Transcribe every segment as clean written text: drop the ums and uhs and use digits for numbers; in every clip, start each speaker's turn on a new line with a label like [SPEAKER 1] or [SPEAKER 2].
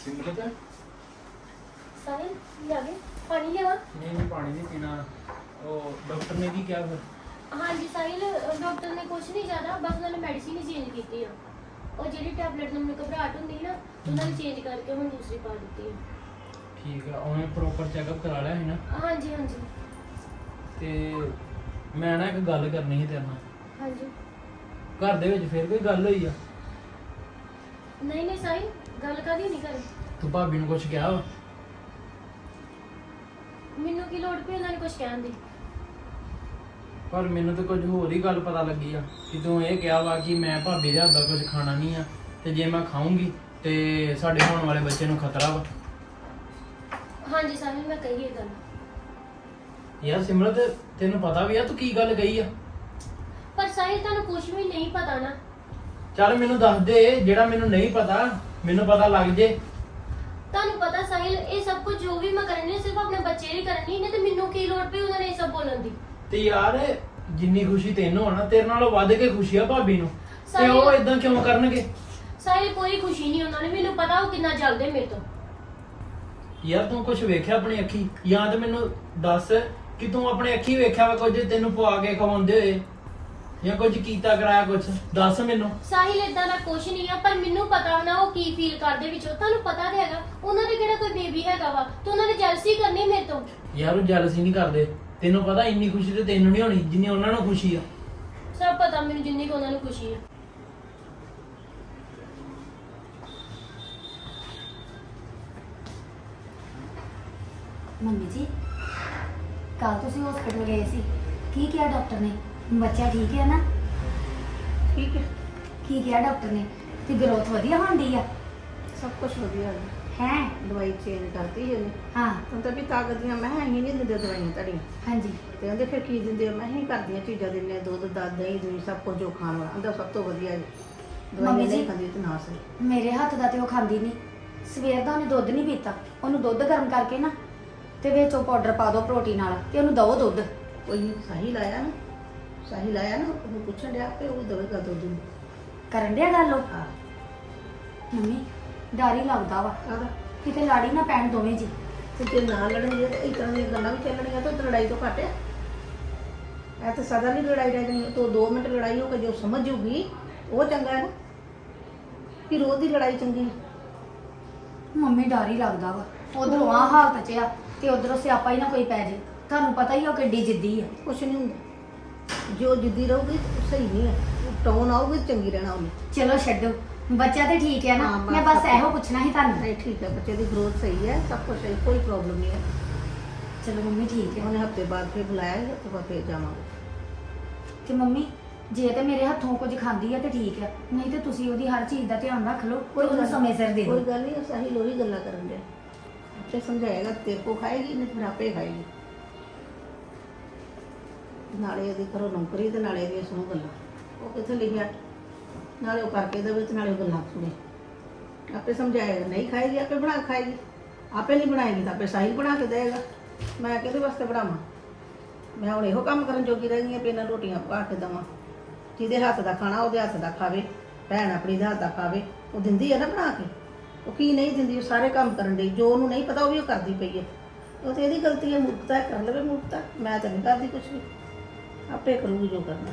[SPEAKER 1] सिमरत
[SPEAKER 2] साहिल ले आगे पानी लेवा।
[SPEAKER 1] नहीं पानी नहीं पीना। वो डॉक्टर ने भी क्या फिर?
[SPEAKER 2] हाँ जी साहिल डॉक्टर ने कुछ नहीं ज्यादा बस उन्होंने मेडिसिन ही चेंज की है और जी टैबलेट में घबराहट होंगी ना उन्होंने चेंज करके हम दूसरी पा दी है।
[SPEAKER 1] ठीक है उन्हें प्रॉपर चेकअप करा लिया है ना?
[SPEAKER 2] हाँ जी हाँ जी
[SPEAKER 1] ਤੇ ਮੈਂ ਨਾ ਇੱਕ ਗੱਲ ਕਰਨੀ ਸੀ ਤੇਰੇ ਨਾਲ।
[SPEAKER 2] हाँ जी
[SPEAKER 1] ਘਰ ਦੇ ਵਿੱਚ ਫਿਰ ਕੋਈ ਗੱਲ ਹੋਈ ਆ?
[SPEAKER 2] नहीं नहीं साहिल गल कदी नहीं करी।
[SPEAKER 1] ਤੂੰ ਭਾਬੀ ਨੂੰ ਕੁਝ ਕਿਹਾ ਵਾ?
[SPEAKER 2] ਮੈਨੂੰ ਕੀ ਲੋੜ ਪਈ ਉਹਨਾਂ ਨੇ ਕੁਝ ਕਹਿਣ ਦੀ।
[SPEAKER 1] ਪਰ ਮੈਨੂੰ ਤਾਂ ਕੁਝ ਹੋਰ ਹੀ ਗੱਲ ਪਤਾ ਲੱਗੀ ਆ ਕਿ ਤੂੰ ਇਹ ਕਿਹਾ ਵਾ ਕਿ ਮੈਂ ਭਾਬੀ ਦੇ ਹੱਥ ਦਾ ਕੁਝ ਖਾਣਾ ਨਹੀਂ ਆ ਤੇ ਜੇ ਮੈਂ ਖਾਊਂਗੀ ਤੇ ਸਾਡੇ ਹੋਣ ਵਾਲੇ ਬੱਚੇ ਨੂੰ ਖਤਰਾ ਵਾ।
[SPEAKER 2] हाँ जी साहिल मैं कही है गल।
[SPEAKER 1] ਯਾਰ ਸਿਮਰਤ ਤੈਨੂੰ ਪਤਾ ਵੀ ਆ ਤੂੰ ਕੀ ਗੱਲ ਕਹੀ ਆ?
[SPEAKER 2] पर साहिल ਤੁਹਾਨੂੰ ਕੁਝ ਵੀ ਨਹੀਂ ਪਤਾ ਨਾ।
[SPEAKER 1] ਚੱਲ ਮੈਨੂੰ ਦੱਸ ਦੇ ਜਿਹੜਾ ਮੈਨੂੰ ਨਹੀਂ ਪਤਾ ਮੈਨੂੰ ਪਤਾ ਲੱਗ ਜੇ।
[SPEAKER 2] ਤੁਹਾਨੂੰ ਪਤਾ ਸਾਹਿਲ ਇਹ ਸਭ ਕੁਝ ਜੋ ਵੀ ਮੈਂ ਕਰਨੀ ਸਿਰਫ ਆਪਣੇ ਬੱਚੇ ਲਈ ਕਰਨੀ ਨਹੀਂ ਤੇ ਮੈਨੂੰ ਕੀ ਲੋੜ ਪਈ ਉਹਨਾਂ ਨੇ ਇਹ ਸਭ ਬੋਲਣ ਦੀ।
[SPEAKER 1] ਤੇ ਯਾਰ ਜਿੰਨੀ ਖੁਸ਼ੀ ਤੈਨੂੰ ਆ ਨਾ ਤੇਰੇ ਨਾਲੋਂ ਵੱਧ ਕੇ ਖੁਸ਼ੀ ਆ ਭਾਬੀ ਨੂੰ ਤੇ
[SPEAKER 2] ਸਾਹਿਲ-
[SPEAKER 1] ਉਹ ਇਦਾਂ ਕਿਉਂ ਕਰਨਗੇ?
[SPEAKER 2] ਸਾਹਿਲ ਕੋਈ ਖੁਸ਼ੀ ਨਹੀਂ ਉਹਨਾਂ ਨੇ ਮੈਨੂੰ ਪਤਾ ਉਹ ਕਿੰਨਾ ਜਲਦੇ ਮੇਰੇ ਤੋਂ।
[SPEAKER 1] ਯਾਰ ਤੂੰ ਕੁਝ ਵੇਖਿਆ ਆਪਣੀ ਅੱਖੀ ਜਾਂ ਤੇ ਮੈਨੂੰ ਦੱਸ ਕਿ ਤੂੰ ਆਪਣੇ ਅੱਖੀ ਵੇਖਿਆ ਵਾ ਕੁਝ ਤੈਨੂੰ ਪਵਾ ਕੇ ਖਵਾਉਂਦੇ ਹੋਏ ਜਾਂ ਕੁਝ ਕੀਤਾ ਕਰਾਇਆ ਕੁਝ ਦੱਸ ਮੈਨੂੰ।
[SPEAKER 2] ਸਾਹਿਲ ਇਦਾਂ ਦਾ ਕੁਝ ਨਹੀਂ ਆ ਪਰ ਮੈਨੂੰ ਪਤਾ ਨਾ ਉਹ ਕੀ ਫੀਲ ਕਰਦੇ ਵਿੱਚੋਂ ਤੁਹਾਨੂੰ ਪਤਾ ਤੇ ਹੈਗਾ ਉਹਨਾਂ ਦੇ ਕਿਹੜਾ ਕੋਈ ਬੇਬੀ ਹੈਗਾ ਵਾ ਤੇ ਉਹਨਾਂ ਨੇ ਜੈਲਸੀ ਕਰਨੀ ਮੇਰੇ ਤੋਂ।
[SPEAKER 1] ਯਾਰ ਉਹ ਜੈਲਸੀ ਨਹੀਂ ਕਰਦੇ ਤੈਨੂੰ ਪਤਾ ਇੰਨੀ ਖੁਸ਼ੀ ਤੇ ਤੈਨੂੰ ਨਹੀਂ ਹੋਣੀ ਜਿੰਨੀ ਉਹਨਾਂ ਨੂੰ ਖੁਸ਼ੀ ਆ।
[SPEAKER 2] ਸਭ ਪਤਾ ਮੈਨੂੰ ਜਿੰਨੀ ਕੁ ਉਹਨਾਂ ਨੂੰ ਖੁਸ਼ੀ ਹੈ।
[SPEAKER 3] ਮੰਮੀ ਜੀ ਕੱਲ ਤੁਸੀਂ ਹਸਪੀਟਲ ਗਏ ਸੀ ਕੀ ਕਿਹਾ ਡਾਕਟਰ ਨੇ? ਬੱਚਾ ਠੀਕ ਹੈ ਨਾ?
[SPEAKER 4] ਠੀਕ ਹੈ
[SPEAKER 3] ਕੀ ਕਿਹਾ ਡਾਕਟਰ ਨੇ? ਤੇ ਗਰੋਥ ਵਧੀਆ ਹੁੰਦੀ ਆ?
[SPEAKER 4] ਸਭ ਕੁਝ ਵਧੀਆ ਹੈ
[SPEAKER 3] ਹੈ
[SPEAKER 4] ਦਵਾਈ ਚੇਂਜ ਕਰਤੀ ਹੈ ਨੇ
[SPEAKER 3] ਹਾਂ
[SPEAKER 4] ਹੁਣ ਤਾਂ ਵੀ ਤਾਕਤ ਦੀਆਂ ਮੈਂ ਹੀ ਨਹੀਂ ਦਿੰਦੇ ਦਵਾਈਆਂ ਤੁਹਾਡੀਆਂ
[SPEAKER 3] ਹਾਂਜੀ
[SPEAKER 4] ਤੇ ਕਹਿੰਦੇ ਫਿਰ ਕੀ ਦਿੰਦੇ ਹੋ? ਮੈਂ ਹੀ ਕਰਦੀਆਂ ਚੀਜ਼ਾਂ ਦਿੰਦੇ ਦੁੱਧ ਦਹੀਂ ਦੂਈ ਸਭ ਕੁਝ ਜੋ ਖਾਣ ਵਾਲਾ ਅੰਦਰ ਸਭ ਤੋਂ ਵਧੀਆ ਜੀ
[SPEAKER 3] ਮੰਮੀ
[SPEAKER 4] ਦਵਾਈਆਂ
[SPEAKER 3] ਜੀ।
[SPEAKER 4] ਨਹੀਂ ਖਾਂਦੀ ਤੇ ਨਾ ਸਹੀ
[SPEAKER 3] ਮੇਰੇ ਹੱਥ ਦਾ ਤੇ ਉਹ ਖਾਂਦੀ ਨਹੀਂ ਸਵੇਰ ਦਾ ਉਹਨੇ ਦੁੱਧ ਨਹੀਂ ਪੀਤਾ ਉਹਨੂੰ ਦੁੱਧ ਗਰਮ ਕਰਕੇ ਨਾ ਤੇ ਵਿੱਚ ਉਹ ਪਾਊਡਰ ਪਾ ਦਿਓ ਪ੍ਰੋਟੀਨ ਵਾਲਾ ਤੇ ਉਹਨੂੰ ਦਵੋ ਦੁੱਧ।
[SPEAKER 4] ਕੋਈ ਸਾਹਿਲ ਆਇਆ ਨਾ ਉਹਨੂੰ ਪੁੱਛਣ ਡਿਆ ਕਿ ਉਹ ਦਵੇਗਾ ਦੁੱਧ ਨੂੰ
[SPEAKER 3] ਕਰਨ ਡਿਆ ਗੱਲ ਉਹ?
[SPEAKER 4] ਹਾਂ
[SPEAKER 3] ਮੰਮੀ ਡਰ ਹੀ ਲੱਗਦਾ ਵਾ
[SPEAKER 4] ਆਦਾ
[SPEAKER 3] ਕਿਤੇ ਲਾੜੀ ਨਾ ਪੈਣ ਦੋਵੇਂ ਜੀ।
[SPEAKER 4] ਤੇ ਜੇ ਨਾ ਲੜਨਗੇ ਤਾਂ ਇਸ ਤਰ੍ਹਾਂ ਦੀਆਂ ਗੱਲਾਂ ਵੀ ਚੱਲਣਗੀਆਂ ਤਾਂ ਲੜਾਈ ਤੋਂ ਘੱਟ ਆ। ਇਹ ਤਾਂ ਸਦਾ ਨਹੀਂ ਲੜਾਈ ਰਹਿ ਜਾਣੀ ਤੋਂ 2 ਮਿੰਟ ਲੜਾਈ ਹੋ ਕੇ ਜੋ ਸਮਝ ਜੂਗੀ ਉਹ ਚੰਗਾ ਹੈ ਨਾ ਕਿ ਰੋਜ਼ ਦੀ ਲੜਾਈ ਚੰਗੀ।
[SPEAKER 3] ਮੰਮੀ ਡਰ ਹੀ ਲੱਗਦਾ ਵਾ ਉਧਰੋਂ ਆ ਹਾਲਤ ਚ ਆ ਤੇ ਉਧਰੋਂ ਸਿਆਪਾ ਹੀ ਨਾ ਕੋਈ ਪੈ ਜੇ। ਤੁਹਾਨੂੰ ਪਤਾ ਹੀ ਉਹ ਕਿੱਡੀ ਜਿੱਦੀ ਆ।
[SPEAKER 4] ਕੁਛ ਨਹੀਂ ਹੁੰਦਾ ਜੋ ਜਿੱਦੀ ਰਹੂਗੀ ਉਹ ਸਹੀ ਨਹੀਂ ਹੈ ਟੋਨ ਆਊਗੀ ਚੰਗੀ ਰਹਿਣਾ ਉਹਨੇ।
[SPEAKER 3] ਚਲੋ ਛੱਡੋ ਬੱਚਾ ਤੇ ਠੀਕ ਹੈ ਨਾ?
[SPEAKER 4] ਹਾਂ, ਬਸ
[SPEAKER 3] ਮੈਂ ਬਸ
[SPEAKER 4] ਸਭ
[SPEAKER 3] ਇਹੋ ਪੁੱਛਣਾ ਸੀ ਤੁਹਾਨੂੰ।
[SPEAKER 4] ਨਹੀਂ ਠੀਕ ਹੈ ਬੱਚੇ ਦੀ ਗਰੋਥ ਸਹੀ ਹੈ ਸਭ ਕੁਝ ਸਹੀ ਕੋਈ ਪ੍ਰੋਬਲਮ ਨਹੀਂ ਹੈ।
[SPEAKER 3] ਚਲੋ ਮੰਮੀ ਠੀਕ ਹੈ।
[SPEAKER 4] ਉਹਨੇ ਹਫਤੇ ਬਾਅਦ ਫਿਰ ਬੁਲਾਇਆ ਹੈ ਹਫਤੇ ਬਾਅਦ ਫਿਰ ਜਾਵਾਂਗੇ।
[SPEAKER 3] ਤੇ ਮੰਮੀ ਜੇ ਤੇ ਮੇਰੇ ਹੱਥੋਂ ਕੁਝ ਖਾਂਦੀ ਹੈ ਤੇ ਠੀਕ ਹੈ ਨਹੀਂ ਤੇ ਤੁਸੀਂ ਉਹਦੀ ਹਰ ਚੀਜ਼ ਦਾ ਧਿਆਨ ਰੱਖ ਲਓ ਕੋਈ ਉਹਨੂੰ ਸਮੇਂ ਸਿਰ ਦੇ ਦਿਓ।
[SPEAKER 4] ਕੋਈ ਗੱਲ ਨਹੀਂ ਸਾਹਿਲ ਉਹੀ ਗੱਲਾਂ ਕਰਨ ਦੇ ਅੱਛੇ ਸਮਝਾਏਗਾ ਤੇਰੇ ਕੋ ਖਾਏਗੀ ਨਹੀਂ ਫਿਰ ਆਪੇ ਖਾਏਗੀ। ਨਾਲੇ ਇਹਦੀ ਕਰੋ ਨੌਕਰੀ ਤੇ ਨਾਲੇ ਇਹਦੀਆਂ ਸੁਣੋ ਗੱਲਾਂ ਉਹ ਕਿੱਥੇ ਲਿਖਿਆ ਨਾਲੇ ਉਹ ਕਰਕੇ ਦੇਵੇ ਤੇ ਨਾਲੇ ਉਹ ਗੱਲਾਂ ਸੁਣੇ ਆਪੇ ਸਮਝਾਏਗਾ ਨਹੀਂ ਖਾਏਗੀ ਆਪੇ ਬਣਾ ਕੇ ਖਾਏਗੀ ਆਪੇ ਨਹੀਂ ਬਣਾਏਗੀ ਤਾਂ ਆਪੇ ਸਾਹਿਲ ਬਣਾ ਕੇ ਦੇਗਾ। ਮੈਂ ਕਿਹਦੇ ਵਾਸਤੇ ਬਣਾਵਾਂ? ਮੈਂ ਹੁਣ ਇਹੋ ਕੰਮ ਕਰਨ ਜੋਗੀ ਰਹਿ ਗਈ ਹਾਂ ਵੀ ਇਹਨਾਂ ਰੋਟੀਆਂ ਪਕਾ ਕੇ ਦੇਵਾਂ ਜਿਹਦੇ ਹੱਥ ਦਾ ਖਾਣਾ ਉਹਦੇ ਹੱਥ ਦਾ ਖਾਵੇ ਭੈਣ ਆਪਣੀ ਦੇ ਹੱਥ ਦਾ ਖਾਵੇ ਉਹ ਦਿੰਦੀ ਹੈ ਨਾ ਬਣਾ ਕੇ। ਉਹ ਕੀ ਨਹੀਂ ਦਿੰਦੀ ਉਹ ਸਾਰੇ ਕੰਮ ਕਰਨ ਲਈ ਜੋ ਉਹਨੂੰ ਨਹੀਂ ਪਤਾ ਉਹ ਵੀ ਉਹ ਕਰਦੀ ਪਈ ਹੈ। ਉਹ ਤੇ ਇਹਦੀ ਗਲਤੀ ਹੈ ਮੂਰਖਤਾ ਹੈ ਕਰ ਲਵੇ ਮੂਰਖਤਾ ਮੈਂ ਤਾਂ ਨਹੀਂ ਕਰਦੀ ਕੁਛ ਵੀ ਆਪੇ ਕਰੂਗੀ ਜੋ ਕਰਨਾ।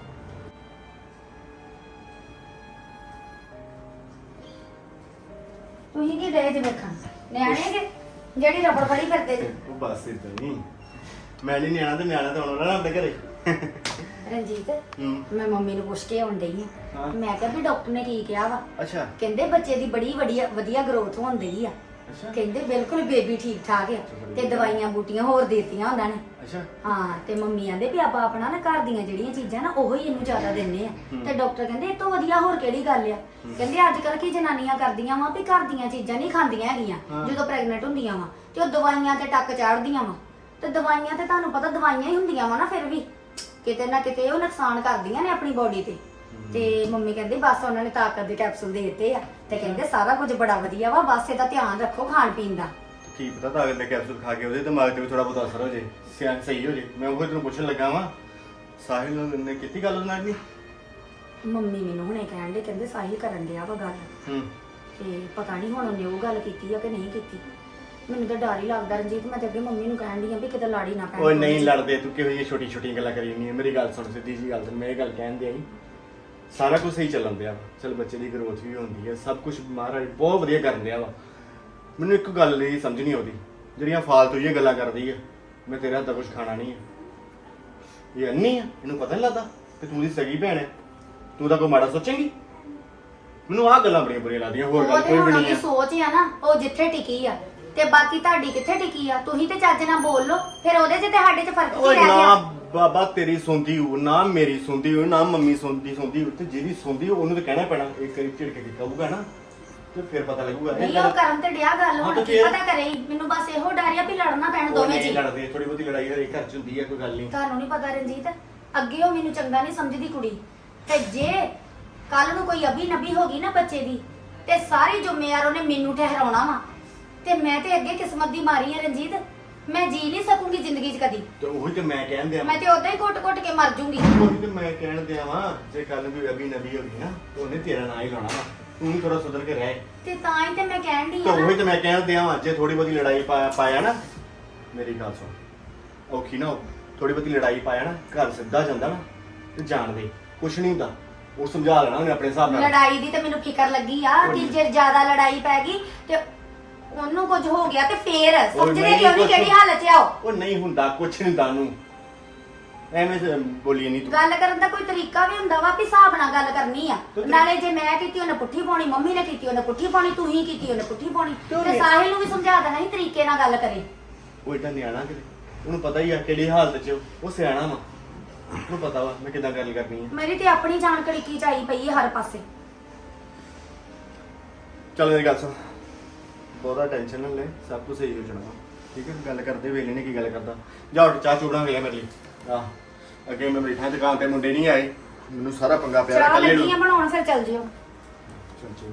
[SPEAKER 3] ਤੁਸੀਂ ਕੀ ਰਹੇ ਜੇ ਵੇਖਣ ਨਿਆਣੇ ਜੇ ਜਿਹੜੀ ਰਬੜ ਫੜੀ ਫਿਰਦੇ ਜੇ?
[SPEAKER 5] ਉਹ ਬਸ ਇਦਾਂ ਨਹੀਂ ਮੈਂ ਨਹੀਂ ਨਿਆਣਾ ਤੇ ਨਿਆਣਾ ਤਾਂ ਆਉਣਾ ਨਾ ਆਪਣੇ ਘਰੇ।
[SPEAKER 3] ਰਣਜੀਤ
[SPEAKER 5] ਹੂੰ
[SPEAKER 3] ਮੈਂ ਮੰਮੀ ਨੂੰ ਪੁੱਛ ਕੇ ਆਉਣ ਡਈ ਆ
[SPEAKER 5] ਹਾਂ।
[SPEAKER 3] ਮੈਂ ਕਿਹਾ ਵੀ ਡਾਕਟਰ ਨੇ ਕੀ ਕਿਹਾ ਵਾ?
[SPEAKER 5] ਅੱਛਾ
[SPEAKER 3] ਕਹਿੰਦੇ ਬੱਚੇ ਦੀ ਬੜੀ ਵਧੀਆ ਗਰੋਥ ਹੋਣ ਡਈ ਆ।
[SPEAKER 5] ਅੱਛਾ
[SPEAKER 3] ਕਹਿੰਦੇ ਬਿਲਕੁਲ ਬੇਬੀ ਠੀਕ ਠਾਕ ਆ ਤੇ ਦਵਾਈਆਂ ਬੂਟੀਆਂ ਹੋਰ ਦੇਤੀਆਂ ਉਹਨਾਂ ਨੇ।
[SPEAKER 5] ਅੱਛਾ
[SPEAKER 3] ਹਾਂ ਤੇ ਮੰਮੀ ਆਂਦੇ ਵੀ ਆਪਾਂ ਆਪਣਾ ਨਾ ਘਰ ਦੀਆਂ ਜਿਹੜੀਆਂ ਚੀਜ਼ਾਂ ਨਾ ਉਹੀ ਇਹਨੂੰ ਜ਼ਿਆਦਾ ਦਿੰਨੇ ਆ ਤੇ ਡਾਕਟਰ ਕਹਿੰਦੇ ਇਹ ਤੋਂ ਵਧੀਆ ਹੋਰ ਕਿਹੜੀ ਗੱਲ ਆ। ਕਹਿੰਦੇ ਅੱਜ ਕੱਲ ਕੀ ਜਨਾਨੀਆਂ ਕਰਦੀਆਂ ਵਾ ਵੀ ਘਰ ਦੀਆਂ ਚੀਜ਼ਾਂ ਨਹੀਂ ਖਾਂਦੀਆਂ ਹੈਗੀਆਂ ਜਦੋਂ ਪ੍ਰੈਗਨੈਂਟ ਹੁੰਦੀਆਂ ਵਾ ਤੇ ਉਹ ਦਵਾਈਆਂ ਤੇ ਟੱਕ ਚਾੜਦੀਆਂ ਵਾ ਤੇ ਦਵਾਈਆਂ ਤੇ ਤੁਹਾਨੂੰ ਪਤਾ ਦਵਾਈਆਂ ਹੀ ਹੁੰਦੀਆਂ ਵਾ ਨਾ ਫਿਰ ਵੀ ਕਿਤੇ ਨਾ ਕਿਤੇ ਉਹ ਨੁਕਸਾਨ ਕਰਦੀਆਂ ਨੇ ਆਪਣੀ ਬੋਡੀ ਤੇ ਮੰਮੀ ਕਹਿੰਦੇ ਬਸ ਉਹਨਾਂ ਨੇ ਤਾਕਤ ਦੇ ਕੈਪਸੂਲ ਦੇ ਦਿੱਤੇ ਆ ਤੇ ਕਹਿੰਦੇ ਸਾਰਾ ਕੁਝ ਬੜਾ ਵਧੀਆ ਵਾ ਬਸ ਇਹਦਾ ਧਿਆਨ ਰੱਖੋ ਖਾਣ ਪੀਣ ਦਾ।
[SPEAKER 5] ਕੀ ਪਤਾ ਤਾਕਤ ਦੇ ਕੈਪਸੂਲ ਖਾ ਕੇ ਉਹਦੇ ਦਿਮਾਗ ਤੇ ਵੀ ਥੋੜਾ ਬਹੁਤ ਅਸਰ ਹੋ ਜੇ ਸਿਆਣ ਸਹੀ ਹੋ ਜੇ। ਮੈਂ ਉਹ ਤੈਨੂੰ ਪੁੱਛਣ ਲੱਗਾ ਵਾਂ ਸਾਹਿਲ ਨੇ ਕੀਤੀ ਗੱਲ ਉਹਨਾਂ ਨਾਲ ਵੀ?
[SPEAKER 3] ਮੰਮੀ ਮੈਨੂੰ ਹੁਣੇ ਕਹਿਣ ਦੇ ਕਹਿੰਦੇ ਸਾਹਿਲ ਕਰਨ ਡਿਆ ਵਾ ਗੱਲ।
[SPEAKER 5] ਹੂੰ
[SPEAKER 3] ਤੇ ਪਤਾ ਨਹੀਂ ਹੁਣ ਉਹਨੇ ਉਹ ਗੱਲ ਕੀਤੀ ਆ ਕਿ ਨਹੀਂ ਕੀਤੀ। ਮੈਨੂੰ ਤਾਂ ਡਰ ਹੀ ਲੱਗਦਾ ਰਣਜੀਤ, ਮੈਂ ਤੇ ਅੱਗੇ ਮੰਮੀ ਨੂੰ ਕਹਿਣ ਦੀ ਆ ਵੀ ਕਿਤੇ ਲਾੜੀ ਨਾ ਪੈਣ।
[SPEAKER 5] ਓਏ ਨਹੀਂ ਲੜਦੇ, ਤੂੰ ਕਿਹੋ ਜਿਹੀ ਛੋਟੀ ਛੋਟੀਆਂ ਗੱਲਾਂ ਕਰੀ ਨਹੀਂ। ਮੇਰੀ ਗੱਲ ਸੁਣ, ਸਿੱਧੀ ਜੀ ਗੱਲ ਸੁਣ, ਮੈਂ ਇਹ ਗੱਲ ਕਹਿੰਦੇ ਆਈ ਸਾਰਾ ਕੁਝ ਸਹੀ ਚੱਲਣ ਦਿਆ ਵਾ। ਚਲ ਬੱਚੇ ਦੀ ਗਰੋਥ ਵੀ ਹੁੰਦੀ ਹੈ, ਸਭ ਕੁਝ ਮਹਾਰਾਜ ਬਹੁਤ ਵਧੀਆ ਕਰਨ ਦਿਆ ਵਾ। ਮੈਨੂੰ ਇੱਕ ਗੱਲ ਨਹੀਂ ਸਮਝ ਨਹੀਂ ਆਉਂਦੀ, ਜਿਹੜੀਆਂ ਫਾਲਤੂ ਜਿਹੀਆਂ ਗੱਲਾਂ ਕਰਦੀ ਆ, ਮੈਂ ਤੇਰੇ ਹੱਥ ਦਾ ਕੁਝ ਖਾਣਾ ਨਹੀਂ ਹੈ। ਇਹ ਅੰਨੀ ਆ, ਇਹਨੂੰ ਪਤਾ ਨਹੀਂ ਲੱਗਦਾ ਕਿ ਤੂੰ ਦੀ ਸਗੀ ਭੈਣ ਹੈ, ਤੂੰ ਤਾਂ ਕੋਈ ਮਾੜਾ ਸੋਚੇਂਗੀ। ਮੈਨੂੰ ਆਹ ਗੱਲਾਂ ਬੜੀਆਂ ਬੁਰੀਆਂ ਲੱਗਦੀਆਂ, ਹੋਰ ਗੱਲ
[SPEAKER 3] ਉਹ ਤੇ
[SPEAKER 5] ਕੋਈ ਵੀ
[SPEAKER 3] ਹੁਣ
[SPEAKER 5] ਨਹੀਂ
[SPEAKER 3] ਉਹਦੀ
[SPEAKER 5] ਹੈ।
[SPEAKER 3] ਸੋਚ ਆ ਨਾ, ਉਹ ਜਿੱਥੇ ਟਿਕੀ ਆ ਤੇ ਬਾਕੀ ਤੁਹਾਡੀ ਕਿੱਥੇ ਟਿਕੀ ਆ। ਤੁਸੀਂ ਤੇ ਚੱਜ ਨਾਲ ਬੋਲ ਲਓ, ਫਿਰ ਉਹਦੇ 'ਚ ਤੇ ਸਾਡੇ 'ਚ ਫਰਕ ਕੀ
[SPEAKER 5] ਓਏ
[SPEAKER 3] ਰਹਿ
[SPEAKER 5] ਨਾ
[SPEAKER 3] ਗਿਆ।
[SPEAKER 5] ਬਾਬਾ ਤੇਰੀ ਸੁਣਦੀ ਹੋ ਨਾ, ਮੇਰੀ ਸੁਣਦੀ ਹੋ ਨਾ, ਮੰਮੀ ਸੁਣਦੀ ਹੋ, ਤੇ ਜਿਹਦੀ ਸੁਣਦੀ ਹੋ ਉਹਨੂੰ ਤਾਂ ਕਹਿਣਾ ਪੈਣਾ। ਇੱਕ ਵਾਰੀ ਝਿੜਕ ਕੇ ਕਹੂਗਾ ਨਾ ਤੇ ਫਿਰ ਪਤਾ ਲੱਗੂਗਾ।
[SPEAKER 3] ਨਹੀਂ ਉਹ ਕਰਨ ਤੇ ਡਿਆ ਗੱਲ,
[SPEAKER 5] ਹਾਂ
[SPEAKER 3] ਹੁਣ
[SPEAKER 5] ਤੇ
[SPEAKER 3] ਕੀ
[SPEAKER 5] ਫਿਰ?
[SPEAKER 3] ਪਤਾ ਕਰੇ। ਮੈਨੂੰ ਬਸ ਇਹੋ ਡਰ ਆ ਵੀ ਲੜਨਾ ਪੈਣ
[SPEAKER 5] ਉਹ
[SPEAKER 3] ਦੋਵੇਂ
[SPEAKER 5] ਨਹੀਂ
[SPEAKER 3] ਜੀ।
[SPEAKER 5] ਲੜਦੇ, ਥੋੜੀ ਬਹੁਤੀ ਲੜਾਈ ਹਰੇਕ ਘਰ ਚ ਹੁੰਦੀ ਹੈ, ਕੋਈ ਗੱਲ ਨਹੀਂ।
[SPEAKER 3] ਤੁਹਾਨੂੰ ਨਹੀਂ ਪਤਾ ਰਣਜੀਤ, ਅੱਗੇ ਉਹ ਮੈਨੂੰ ਚੰਗਾ ਨਹੀਂ ਸਮਝਦੀ ਕੁੜੀ, ਤੇ ਜੇ ਕੱਲ ਨੂੰ ਕੋਈ ਅਬੀ ਨਬੀ ਹੋ ਗਈ ਨਾ ਬੱਚੇ ਦੀ ਤੇ ਸਾਰੀ ਜ਼ਿੰਮੇਵਾਰ ਉਹਨੇ ਮੈਨੂੰ ਠਹਿਰਾਉਣਾ ਵਾ। ਤੇ ਮੈਂ ਤੇ ਅੱਗੇ ਕਿਸਮਤ ਦੀ ਮਾਰੀ ਆ ਰਣਜੀਤ, ਮੈਂ ਜੀ ਨਹੀਂ ਸਕੂੰਗੀ ਜ਼ਿੰਦਗੀ 'ਚ ਕਦੀ।
[SPEAKER 5] ਤੇ ਉਹੀ ਤੇ ਮੈਂ ਕਹਿਣ ਦਿਆਂ,
[SPEAKER 3] ਮੈਂ ਤੇ ਉਦਾਂ ਹੀ ਘੁੱਟ-ਘੁੱਟ ਕੇ ਮਰ ਜੂੰਗੀ।
[SPEAKER 5] ਉਹੀ ਤੇ ਮੈਂ ਕਹਿਣ ਦਿਆਂ ਵਾਂ, ਜੇ ਕੱਲ ਨੂੰ ਕੋਈ ਅਭੀ ਨਬੀ ਹੋ ਗਈ ਨਾ ਤੇ ਉਹਨੇ ਤੇਰਾ ਨਾਂ ਹੀ ਲਾਉਣਾ ਵਾ। ਤੂੰ ਵੀ ਥੋੜਾ ਸੁਧਰ ਕੇ ਰਹਿ।
[SPEAKER 3] ਤੇ ਤਾਂ ਹੀ ਤੇ ਮੈਂ ਕਹਿਣ ਦੀ
[SPEAKER 5] ਤੇ
[SPEAKER 3] ਆ
[SPEAKER 5] ਉਹੀ ਤੇ ਮੈਂ ਕਹਿਣ ਦਿਆਂ ਵਾਂ, ਜੇ ਥੋੜੀ ਬਹੁਤੀ ਲੜਾਈ ਪਾਇਆ ਨਾ, ਮੇਰੀ ਗੱਲ ਸੁਣ, ਔਖੀ ਨਾ ਥੋੜੀ ਬਹੁਤੀ ਲੜਾਈ ਪਾਇਆ ਨਾ, ਘਰ ਸਿੱਧਾ ਜਾਂਦਾ ਨਾ ਤੇ ਜਾਣ ਦੇ, ਕੁਛ ਨਹੀਂ ਹੁੰਦਾ। ਉਹ ਸਮਝਾ ਲੈਣਾ ਉਹਨੇ ਆਪਣੇ ਹਿਸਾਬ ਨਾਲ।
[SPEAKER 3] ਲੜਾਈ ਦੀ ਤੇ ਮੈਨੂੰ ਫਿਕਰ ਲੱਗੀ ਆ ਕਿ ਜੇ ਜ਼ਿਆਦਾ ਲੜਾਈ ਪੈ ਗਈ ਤੇ ਉਹਨੂੰ ਕੁਝ ਹੋ ਗਿਆ ਤੇ ਫੇਰ ਸਮਝਦੇ ਕਿਉਂ ਨਹੀਂ ਕਿਹੜੀ ਹਾਲਤ 'ਚ ਆ ਉਹ।
[SPEAKER 5] ਉਹ ਨਹੀਂ ਹੁੰਦਾ, ਕੁਛ ਨਹੀਂ ਹੁੰਦਾ ਉਹਨੂੰ, ਐਵੇਂ ਬੋਲੀ ਨਹੀਂ ਤੂੰ।
[SPEAKER 3] ਗੱਲ ਕਰਨ ਦਾ ਕੋਈ ਤਰੀਕਾ ਵੀ ਹੁੰਦਾ ਵਾ ਵੀ ਹਿਸਾਬ ਨਾਲ ਗੱਲ ਕਰਨੀ ਆ। ਨਾਲੇ ਜੇ ਮੈਂ ਕੀਤੀ ਉਹਨੇ ਪੁੱਠੀ ਪਾਉਣੀ, ਮੰਮੀ ਨੇ ਕੀਤੀ ਉਹਨੇ ਪੁੱਠੀ ਪਾਉਣੀ, ਤੂੰ ਹੀ ਕੀਤੀ ਉਹਨੇ ਪੁੱਠੀ ਪਾਉਣੀ। ਤੇ ਸਾਹਿਲ ਨੂੰ ਵੀ ਸਮਝਾ ਦੇਣਾ ਸੀ ਤਰੀਕੇ ਨਾਲ ਗੱਲ ਕਰੇ।
[SPEAKER 5] ਉਹ ਏਦਾਂ ਨਿਆਣਾ ਕਿਤੇ, ਉਹਨੂੰ ਪਤਾ ਹੀ ਆ ਕਿਹੜੀ ਹਾਲਤ 'ਚ ਉਹ ਸਿਆਣਾ ਵਾ, ਉਹਨੂੰ ਪਤਾ ਵਾ ਮੈਂ ਕਿੱਦਾਂ ਗੱਲ ਕਰਨੀ ਹੈ।
[SPEAKER 3] ਮੇਰੀ ਤੇ ਆਪਣੀ ਜਾਨ ਕੜੀਕੀ ਚਾਈ ਪਈ ਹੈ ਹਰ ਪਾਸੇ।
[SPEAKER 5] ਚੱਲ ਮੇਰੀ ਗੱਲ ਸੁਣ, ਬਹੁਤਾ ਟੈਨਸ਼ਨ ਨਾ ਲੈ, ਸਭ ਕੁਝ ਸਹੀ ਹੋ ਜਾਣਾ ਵਾ, ਠੀਕ ਹੈ। ਗੱਲ ਕਰਦੇ ਵੇਲੇ ਨੇ ਕੀ ਗੱਲ ਕਰਦਾ, ਜਾ ਉੱਠ ਚਾਹ ਚੂੜਾਂ ਗਿਆ ਮੇਰੇ ਲਈ। ਆਹ ਅੱਗੇ ਮੈਂ ਬੈਠਾ ਦੁਕਾਨ ਤੇ, ਮੁੰਡੇ ਨਹੀਂ ਆਏ, ਮੈਨੂੰ ਸਾਰਾ ਪੰਗਾ ਪਿਆ
[SPEAKER 3] ਚਾਹ
[SPEAKER 5] ਇਕੱਲੇ
[SPEAKER 3] ਲੱਗੀ ਆ
[SPEAKER 5] ਨੂੰ।
[SPEAKER 3] ਬਣਾਉਣ, ਫਿਰ ਚੱਲ ਜਿਓ।
[SPEAKER 5] ਚੱਲ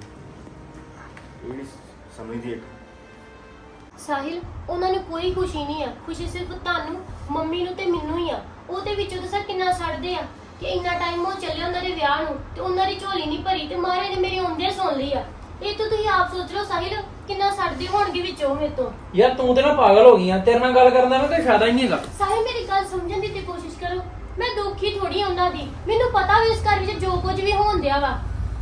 [SPEAKER 5] ਇਹ ਨੀ ਸਮਝਦੀ ਇੱਕ।
[SPEAKER 2] ਸਾਹਿਲ, ਉਹਨਾਂ ਨੂੰ ਕੋਈ ਖੁਸ਼ੀ ਨਹੀਂ ਆ, ਖੁਸ਼ੀ ਸਿਰਫ ਤੁਹਾਨੂੰ, ਮੰਮੀ ਨੂੰ ਤੇ ਮੈਨੂੰ ਹੀ ਆ। ਉਹਦੇ ਵਿੱਚੋਂ ਤਾਂ ਸਰ ਕਿੰਨਾ ਸੜਦੇ ਆ ਕਿ ਇੰਨਾ ਟਾਈਮ ਉਹ ਚੱਲੇ ਉਹਨਾਂ ਦੇ ਵਿਆਹ ਨੂੰ ਤੇ ਉਹਨਾਂ ਦੀ ਝੋਲੀ ਨਹੀਂ ਭਰੀ ਤੇ ਮਹਾਰਾਜ ਨੇ ਮੇਰੀ ਆਉਂਦਿਆਂ ਸੁਣ ਲਈ ਆ। ਇਹ ਤਾਂ ਤੁਸੀਂ ਆਪ ਸੋਚ ਲਓ ਸਾਹਿਲ, ਕਿੰਨਾ ਸੜਦੇ ਹੋਣਗੇ ਵਿੱਚੋਂ ਮੇਰੇ ਤੋਂ।
[SPEAKER 1] ਯਾਰ ਤੂੰ ਤੇ ਨਾ ਪਾਗਲ ਹੋ ਗਈ ਆ, ਤੇਰੇ ਨਾਲ ਗੱਲ ਕਰਨ ਦਾ ਨਾ ਕੋਈ ਫਾਇਦਾ ਹੀ ਨਹੀਂ ਹੈਗਾ।
[SPEAKER 2] ਸਾਹਿਲ, ਮੇਰੀ ਗੱਲ ਸਮਝਣ ਦੀ ਤੇ ਕੋਸ਼ਿਸ਼ ਕਰੋ। ਮੈਂ ਦੁਖੀ ਥੋੜੀ ਉਹਨਾਂ ਦੀ, ਮੈਨੂੰ ਪਤਾ ਵੀ ਇਸ ਘਰ ਵਿੱਚ ਜੋ ਕੁਝ ਵੀ ਹੋਣ ਦਿਆ ਵਾ।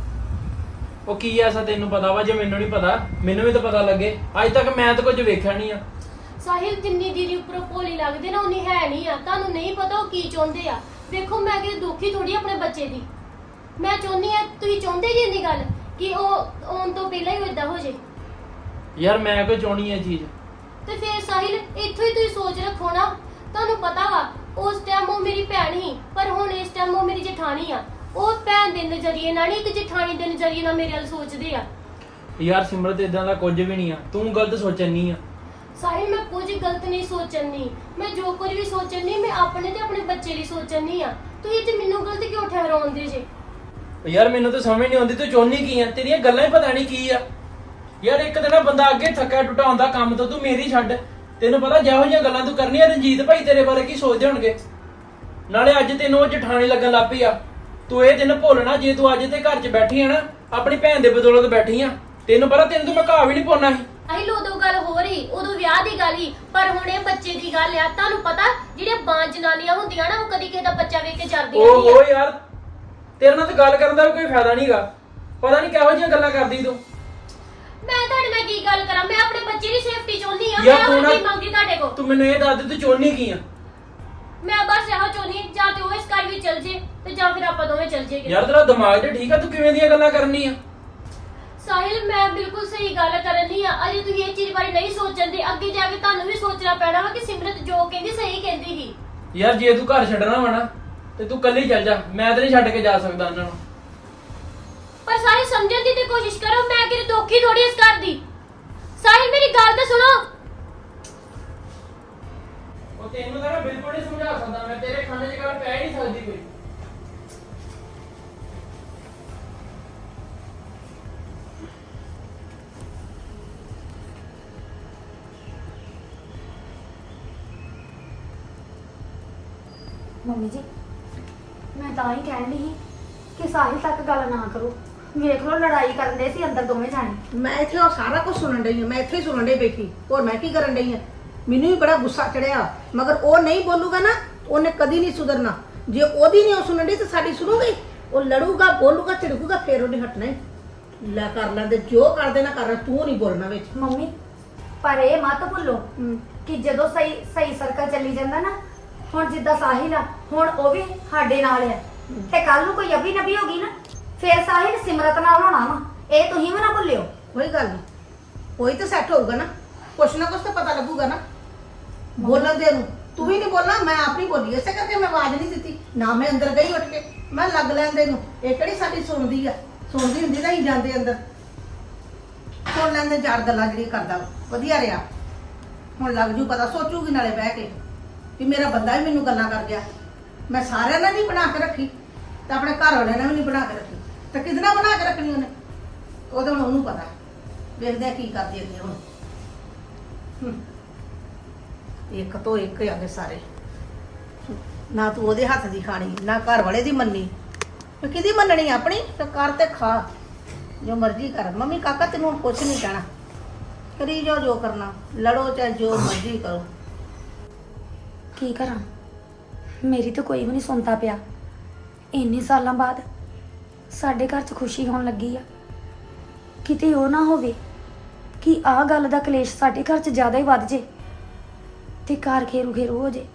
[SPEAKER 1] ਉਹ ਕੀ ਐਸਾ ਤੈਨੂੰ ਪਤਾ ਵਾ ਜੇ ਮੈਨੂੰ ਨਹੀਂ ਪਤਾ? ਮੈਨੂੰ ਵੀ ਤਾਂ ਪਤਾ ਲੱਗੇ, ਅੱਜ ਤੱਕ ਮੈਂ ਤਾਂ ਕੁਝ ਵੇਖਿਆ ਨਹੀਂ ਆ।
[SPEAKER 2] ਸਾਹਿਲ, ਜਿੰਨੀ ਦੀਦੀ ਉੱਪਰੋਂ ਭੋਲੀ ਲੱਗਦੇ ਨਾ ਉਨੀ ਹੈ ਨਹੀਂ ਆ। ਤੁਹਾਨੂੰ ਨਹੀਂ ਪਤਾ ਉਹ ਕੀ ਚਾਹੁੰਦੇ ਆ। ਵੇਖੋ ਮੈਂ ਕਿ ਦੁਖੀ ਥੋੜੀ ਆਪਣੇ ਬੱਚੇ ਦੀ, ਮੈਂ ਚਾਹੁੰਦੀ ਆ ਤੁਸੀਂ ਚਾਹੁੰਦੇ ਜੀ ਇੰਨੀ ਗੱਲ ਕਿ ਉਹ ਆਉਣ ਤੋਂ ਪਹਿਲਾਂ ਹੀ ਇਦਾਂ ਹੋ ਜੇ।
[SPEAKER 1] ਯਾਰ ਮੈਂ ਕੋਈ ਚਾਹਣੀ ਇਹ ਚੀਜ਼।
[SPEAKER 2] ਤੇ ਫਿਰ ਸਾਹਿਲ, ਇੱਥੋਂ ਹੀ ਤੁਸੀਂ ਸੋਚ ਰੱਖੋ ਨਾ। ਤੁਹਾਨੂੰ ਪਤਾ ਵਾ ਉਸ ਟਾਈਮ ਉਹ ਮੇਰੀ ਭੈਣ ਸੀ, ਪਰ ਹੁਣ ਇਸ ਟਾਈਮ ਉਹ ਮੇਰੀ ਜਠਾਣੀ ਆ। ਉਹ ਭੈਣ ਦੇ ਨਜ਼ਰੀਏ ਨਾਲ ਨਹੀਂ, ਇੱਕ ਜਠਾਣੀ ਦੇ ਨਜ਼ਰੀਏ ਨਾਲ ਮੇਰੇ ਵੱਲ ਸੋਚਦੇ ਆ।
[SPEAKER 1] ਯਾਰ ਸਿਮਰਤ ਇਦਾਂ ਦਾ ਕੁਝ ਵੀ ਨਹੀਂ ਆ, ਤੂੰ ਗਲਤ ਸੋਚਣੀ ਆ।
[SPEAKER 2] ਸਾਹਿਲ, ਮੈਂ ਕੁਝ ਗਲਤ ਨਹੀਂ ਸੋਚਣੀ, ਮੈਂ ਜੋ ਕੁਝ ਵੀ ਸੋਚਣੀ ਮੈਂ ਆਪਣੇ ਤੇ ਆਪਣੇ ਬੱਚੇ ਲਈ ਸੋਚਣੀ ਆ। ਤੁਸੀਂ ਤੇ ਮੈਨੂੰ ਗਲਤ ਕਿਉਂ ਠਹਿਰਾਉਂਦੇ ਜੇ?
[SPEAKER 1] ਯਾਰ ਮੈਨੂੰ ਤਾਂ ਸਮਝ ਨਹੀਂ ਆਉਂਦੀ ਤੂੰ ਚਾਹੁੰਦੀ ਕੀ ਆ, ਤੇਰੀਆਂ ਗੱਲਾਂ ਹੀ ਪਤਾ ਨਹੀਂ ਕੀ ਆ। ਯਾਰ ਇੱਕ ਦਿਨ ਬੰਦਾ ਅੱਗੇ ਥੱਕਿਆ ਟੁੱਟਾ ਹੁੰਦਾ ਕੰਮ ਤੋਂ, ਤੂੰ ਮੇਰੀ ਛੱਡ। ਤੈਨੂੰ ਪਤਾ ਜਿਹੋ ਜਿਹੀਆਂ ਗੱਲਾਂ ਤੂੰ ਕਰਨੀਆਂ, ਰਣਜੀਤ ਭਾਈ ਤੇਰੇ ਬਾਰੇ ਕੀ ਸੋਚਦੇ ਹੋਣਗੇ। ਨਾਲੇ ਅੱਜ ਤੈਨੂੰ ਉਹ ਜਠਾਣੀ ਲੱਗਣ ਲੱਗ ਪਈ ਆ। ਤੂੰ ਇਹ ਦਿਨ ਭੁੱਲਣਾ, ਜੇ ਤੂੰ ਅੱਜ ਤੇ ਘਰ 'ਚ ਬੈਠੀ ਆ ਨਾ, ਆਪਣੀ ਭੈਣ ਦੇ ਬਦੌਲਤ ਬੈਠੀ ਆ। ਤੈਨੂੰ ਪਤਾ ਤੈਨੂੰ ਤਾਂ ਮੈਂ ਘਾਹ ਵੀ ਨਹੀਂ ਪਾਉਣਾ ਸੀ।
[SPEAKER 2] ਸਾਹਿਲ, ਉਦੋਂ ਗੱਲ ਹੋ ਰਹੀ, ਉਦੋਂ ਵਿਆਹ ਦੀ ਗੱਲ ਹੀ, ਪਰ ਹੁਣ ਇਹ ਬੱਚੇ ਦੀ ਗੱਲ ਆ। ਤੁਹਾਨੂੰ ਪਤਾ ਜਿਹੜੇ ਬਾਂਝ ਜਨਾਨੀਆਂ ਹੁੰਦੀਆਂ ਨਾ, ਉਹ ਕਦੀ ਕਿਸੇ ਦਾ ਬੱਚਾ ਵੇਖ ਕੇ ਜਰਦੀਆਂ ਨਹੀਂ ਆ।
[SPEAKER 1] ਓਹੋ ਯਾਰ, ਤੇਰੇ ਨਾਲ ਤਾਂ ਗੱਲ ਕਰਨ ਦਾ ਵੀ ਕੋਈ ਫਾਇਦਾ ਨਹੀਂਗਾ। ਪਤਾ ਨਹੀਂ ਕਿਹੋ ਜਿਹੀਆਂ ਗੱਲਾਂ ਕਰਦੀ ਤੂੰ।
[SPEAKER 2] ਮੈਂ ਤੁਹਾਡੇ ਨਾਲ ਕੀ ਗੱਲ ਕਰਾਂ? ਮੈਂ ਆਪਣੇ ਬੱਚੇ ਦੀ ਸੇਫਟੀ ਚਾਹੁੰਦੀ ਆ।
[SPEAKER 1] ਯਾਰ
[SPEAKER 2] ਮੈਂ
[SPEAKER 1] ਤੂੰ
[SPEAKER 2] ਹੋਰ
[SPEAKER 1] ਨਾ-
[SPEAKER 2] ਕੀ ਮੰਗਦੀ ਤੁਹਾਡੇ ਕੋਲ?
[SPEAKER 1] ਤੂੰ ਮੈਨੂੰ ਇਹ ਦੱਸ ਦੇ ਤੂੰ ਚਾਹੁੰਦੀ ਕੀ ਆ?
[SPEAKER 2] ਮੈਂ ਬਸ ਇਹੋ ਚਾਹੁੰਦੀ ਹਾਂ, ਜਾਂ ਤੇ ਉਹ ਇਸ ਘਰ ਵਿੱਚ ਚਲ ਜੇ ਤੇ ਜਾਂ ਫਿਰ ਆਪਾਂ ਦੋਵੇਂ ਚਲ ਜੇਗੇ।
[SPEAKER 1] ਯਾਰ ਤੇਰਾ ਦਿਮਾਗ ਤੇ ਠੀਕ ਆ, ਤੂੰ ਕਿਵੇਂ ਦੀਆਂ ਗੱਲਾਂ ਕਰਨੀ ਆ?
[SPEAKER 2] ਸਾਹਿਲ, ਮੈਂ ਬਿਲਕੁਲ ਸਹੀ ਗੱਲ ਕਰਨੀ ਆ। ਅਜੇ ਤੁਸੀਂ ਇਹ ਚੀਜ਼ ਬਾਰੇ ਨਹੀਂ ਸੋਚਦੇ, ਅੱਗੇ ਜਾ ਕੇ ਤੁਹਾਨੂੰ ਵੀ ਸੋਚਣਾ ਪੈਣਾ ਵਾ ਕਿ ਸਿਮਰਤ ਜੋ ਕਹਿੰਦੀ ਸਹੀ ਕਹਿੰਦੀ ਸੀ।
[SPEAKER 1] ਯਾਰ ਜੇ ਤੂੰ ਘਰ ਛੱਡਣਾ ਵਾ ਨਾ ਤੇ ਤੂੰ ਕੱਲੀ ਚੱਲ ਜਾ, ਮੈਂ ਤੇ ਨਹੀਂ ਛੱਡ ਕੇ ਜਾ ਸਕਦਾ ਉਹਨਾਂ ਨੂੰ।
[SPEAKER 2] ਪਰ ਸਾਹਿਲ, ਸਮਝਣ ਦੀ ਤੇ ਕੋਸ਼ਿਸ਼ ਕਰੋ, ਮੈਂ ਕਿਤੇ ਦੁਖੀ ਥੋੜੀ ਇਸ ਘਰ ਦੀ। ਸਾਹਿਲ, ਮੇਰੀ ਗੱਲ ਤਾਂ ਸੁਣੋ।
[SPEAKER 1] ਉਹ ਤੈਨੂੰ ਤਾਂ ਬਿਲਕੁਲ ਨਹੀਂ ਸਮਝਾ ਸਕਦਾ ਮੈਂ, ਤੇਰੇ ਖਾਣੇ 'ਚ ਗੱਲ ਪੈ ਹੀ ਨਹੀਂ ਸਕਦੀ ਕੋਈ।
[SPEAKER 3] ਮੰਮੀ ਜੀ, ਮੈਂ ਤਾਂ ਹੀ ਕਹਿਣ ਦੀ ਸੀ ਕਿ ਸਾਹਿਲ ਤੱਕ ਗੱਲ ਨਾ ਕਰੋ। ਵੇਖ ਲਓ ਲੜਾਈ ਕਰਨ ਦੇ ਸੀ ਅੰਦਰ ਦੋਵੇਂ ਜਾਣੇ।
[SPEAKER 4] ਮੈਂ ਇੱਥੇ ਉਹ ਸਾਰਾ ਕੁਝ ਸੁਣਨ ਡਈ ਹਾਂ, ਮੈਂ ਇੱਥੇ ਹੀ ਸੁਣਨ ਡਈ ਬੈਠੀ, ਹੋਰ ਮੈਂ ਕੀ ਕਰਨ ਡਈ ਹਾਂ। ਮੈਨੂੰ ਵੀ ਬੜਾ ਗੁੱਸਾ ਚੜਿਆ, ਮਗਰ ਉਹ ਨਹੀਂ ਬੋਲੂਗਾ ਨਾ, ਉਹਨੇ ਕਦੀ ਨਹੀਂ ਸੁਧਰਨਾ। ਜੇ ਉਹਦੀ ਨਹੀਂ ਉਹ ਸੁਣਨ ਡਈ ਤਾਂ ਸਾਡੀ ਸੁਣੂਗੀ। ਉਹ ਲੜੂਗਾ, ਬੋਲੂਗਾ, ਝਿੜਕੂਗਾ, ਫੇਰ ਉਹਨੇ ਹਟਣਾ ਹੀ। ਲੈ ਕਰ ਲੈਂਦੇ ਜੋ ਕਰਦੇ ਨਾ ਕਰ, ਤੂੰ ਨਹੀਂ ਬੋਲਣਾ ਵਿੱਚ।
[SPEAKER 3] ਮੰਮੀ ਪਰ ਇਹ ਮਤ ਭੁੱਲੋ ਕਿ ਜਦੋਂ ਸਹੀ ਸਰਕਲ ਚੱਲੀ ਜਾਂਦਾ ਨਾ, ਹੁਣ ਜਿੱਦਾਂ ਸਾਹਿਲ ਆ, ਹੁਣ ਉਹ ਵੀ ਸਾਡੇ ਨਾਲ ਆ, ਤੇ ਕੱਲ ਨੂੰ ਕੋਈ ਅਭੀ ਨਬੀ ਹੋ ਗਈ ਨਾ, ਫੇਰ ਸਾਹਿਲ ਸਿਮਰਤ ਨਾਲ ਹੋਣਾ ਵਾ। ਇਹ ਤੁਸੀਂ ਵੀ ਨਾ ਭੁੱਲਿਓ।
[SPEAKER 4] ਕੋਈ ਗੱਲ ਨਹੀਂ, ਕੋਈ ਤਾਂ ਸੈੱਟ ਹੋਊਗਾ ਨਾ, ਕੁਛ ਨਾ ਕੁਛ ਤਾਂ ਪਤਾ ਲੱਗੂਗਾ ਨਾ ਬੋਲਣ ਦੇ ਨੂੰ। ਤੂੰ ਵੀ ਨਹੀਂ ਬੋਲਣਾ, ਮੈਂ ਆਪ ਨਹੀਂ ਬੋਲੀ, ਇਸੇ ਕਰਕੇ ਮੈਂ ਆਵਾਜ਼ ਨਹੀਂ ਦਿੱਤੀ ਨਾ। ਮੈਂ ਅੰਦਰ ਗਈ ਉੱਠ ਕੇ, ਮੈਂ ਲੱਗ ਲੈਂਦੇ ਨੂੰ। ਇਹ ਕਿਹੜੀ ਸਾਡੀ ਸੁਣਦੀ ਆ, ਸੁਣਦੀ ਹੁੰਦੀ ਤਾਂ ਹੀ ਜਾਂਦੇ ਅੰਦਰ ਸੁਣ ਲੈਂਦੇ ਚਾਰ ਗੱਲਾਂ ਜਿਹੜੀਆਂ ਕਰਦਾ ਵਾ। ਵਧੀਆ ਰਿਹਾ, ਹੁਣ ਲੱਗ ਜੂ ਪਤਾ, ਸੋਚੂਗੀ ਨਾਲੇ ਬਹਿ ਕੇ ਵੀ ਮੇਰਾ ਬੰਦਾ ਵੀ ਮੈਨੂੰ ਗੱਲਾਂ ਕਰ ਗਿਆ। ਮੈਂ ਸਾਰਿਆਂ ਨਾਲ ਨਹੀਂ ਬਣਾ ਕੇ ਰੱਖੀ, ਤਾਂ ਆਪਣੇ ਘਰ ਵਾਲਿਆਂ ਨਾਲ ਵੀ ਨਹੀਂ ਬਣਾ ਕੇ ਰੱਖੀ, ਤਾਂ ਕਿਹਦੇ ਨਾਲ ਬਣਾ ਕੇ ਰੱਖਣੀ ਉਹਨੇ? ਉਹਦੇ ਹੁਣ ਉਹਨੂੰ ਪਤਾ। ਵੇਖਦੇ ਆ ਕੀ ਕਰਦੀ ਅੱਗੇ ਹੁਣ। ਇੱਕ ਤੋਂ ਇੱਕ ਆ ਗਏ ਸਾਰੇ। ਨਾ ਤੂੰ ਉਹਦੇ ਹੱਥ ਦੀ ਖਾਣੀ, ਨਾ ਘਰ ਵਾਲੇ ਦੀ ਮੰਨੀ। ਤੇ ਕਿਹਦੀ ਮੰਨਣੀ? ਆਪਣੀ ਤਾਂ ਕਰ ਤੇ ਖਾ, ਜੋ ਮਰਜ਼ੀ ਕਰ। ਮੰਮੀ ਕਾਕਾ ਤੈਨੂੰ ਹੁਣ ਕੁਛ ਨਹੀਂ ਕਹਿਣਾ, ਕਰੀ ਜਾਓ ਜੋ ਕਰਨਾ, ਲੜੋ ਚਾਹੇ ਜੋ ਮਰਜ਼ੀ ਕਰੋ।
[SPEAKER 3] ਕੀ ਕਰਾਂ, ਮੇਰੀ ਤਾਂ ਕੋਈ ਵੀ ਨਹੀਂ ਸੁਣਦਾ ਪਿਆ। ਇੰਨੇ ਸਾਲਾਂ ਬਾਅਦ ਸਾਡੇ ਘਰ 'ਚ ਖੁਸ਼ੀ ਹੋਣ ਲੱਗੀ ਆ। ਕਿਤੇ ਉਹ ਨਾ ਹੋਵੇ ਕਿ ਆਹ ਗੱਲ ਦਾ ਕਲੇਸ਼ ਸਾਡੇ ਘਰ 'ਚ ਜ਼ਿਆਦਾ ਹੀ ਵੱਧ ਜੇ ਤੇ ਘਰ ਖੇਰੂ ਹੋ ਜੇ।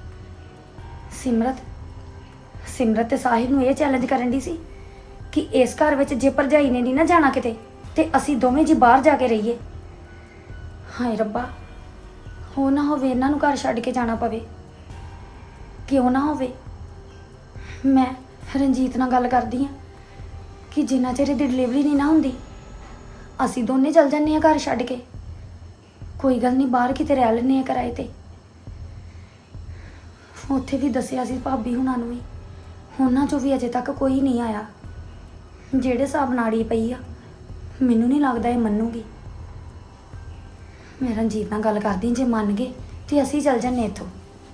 [SPEAKER 3] ਸਿਮਰਤ ਤੇ ਸਾਹਿਲ ਨੂੰ ਇਹ ਚੈਲੰਜ ਕਰਨ ਦੀ ਸੀ ਕਿ ਇਸ ਘਰ ਵਿੱਚ ਜੇ ਭਰਜਾਈ ਨੇ ਨਹੀਂ ਨਾ ਜਾਣਾ ਕਿਤੇ, ਤੇ ਅਸੀਂ ਦੋਵੇਂ ਜੀ ਬਾਹਰ ਜਾ ਕੇ ਰਹੀਏ। ਹਾਏ ਰੱਬਾ, ਹੋ ਨਾ ਹੋਵੇ ਇਹਨਾਂ ਨੂੰ ਘਰ ਛੱਡ ਕੇ ਜਾਣਾ ਪਵੇ। ਕਿਉਂ ਨਾ ਹੋਵੇ। ਮੈਂ ਰਣਜੀਤ ਨਾਲ ਗੱਲ ਕਰਦੀ ਹਾਂ ਕਿ ਜਿੰਨਾ ਚਿਰ ਇਹਦੀ ਡਿਲੀਵਰੀ ਨਹੀਂ ਨਾ ਹੁੰਦੀ, ਅਸੀਂ ਦੋਨੇ ਚੱਲ ਜੰਨੇ ਆ ਘਰ ਛੱਡ ਕੇ। ਕੋਈ ਗੱਲ ਨਹੀਂ, ਬਾਹਰ ਕਿਤੇ ਰਹਿ ਲੈਂਦੇ ਆ ਕਿਰਾਏ ਤੇ। ਉੱਥੇ ਵੀ ਦੱਸਿਆ ਸੀ ਭਾਬੀ ਹੁਣਾਂ ਨੂੰ ਵੀ, ਉਹਨਾਂ ਚੋਂ ਵੀ ਅਜੇ ਤੱਕ ਕੋਈ ਨਹੀਂ ਆਇਆ। ਜਿਹੜੇ ਹਿਸਾਬ ਨਾੜੀ ਪਈ ਆ, ਮੈਨੂੰ ਨਹੀਂ ਲੱਗਦਾ ਇਹ ਮੰਨੂਗੀ। ਮੈਂ ਰਣਜੀਤ ਨਾਲ ਗੱਲ ਕਰਦੀ, ਜੇ ਮੰਨ ਗਏ ਤੇ ਅਸੀਂ ਚੱਲ ਜੰਨੇ ਇੱਥੋਂ।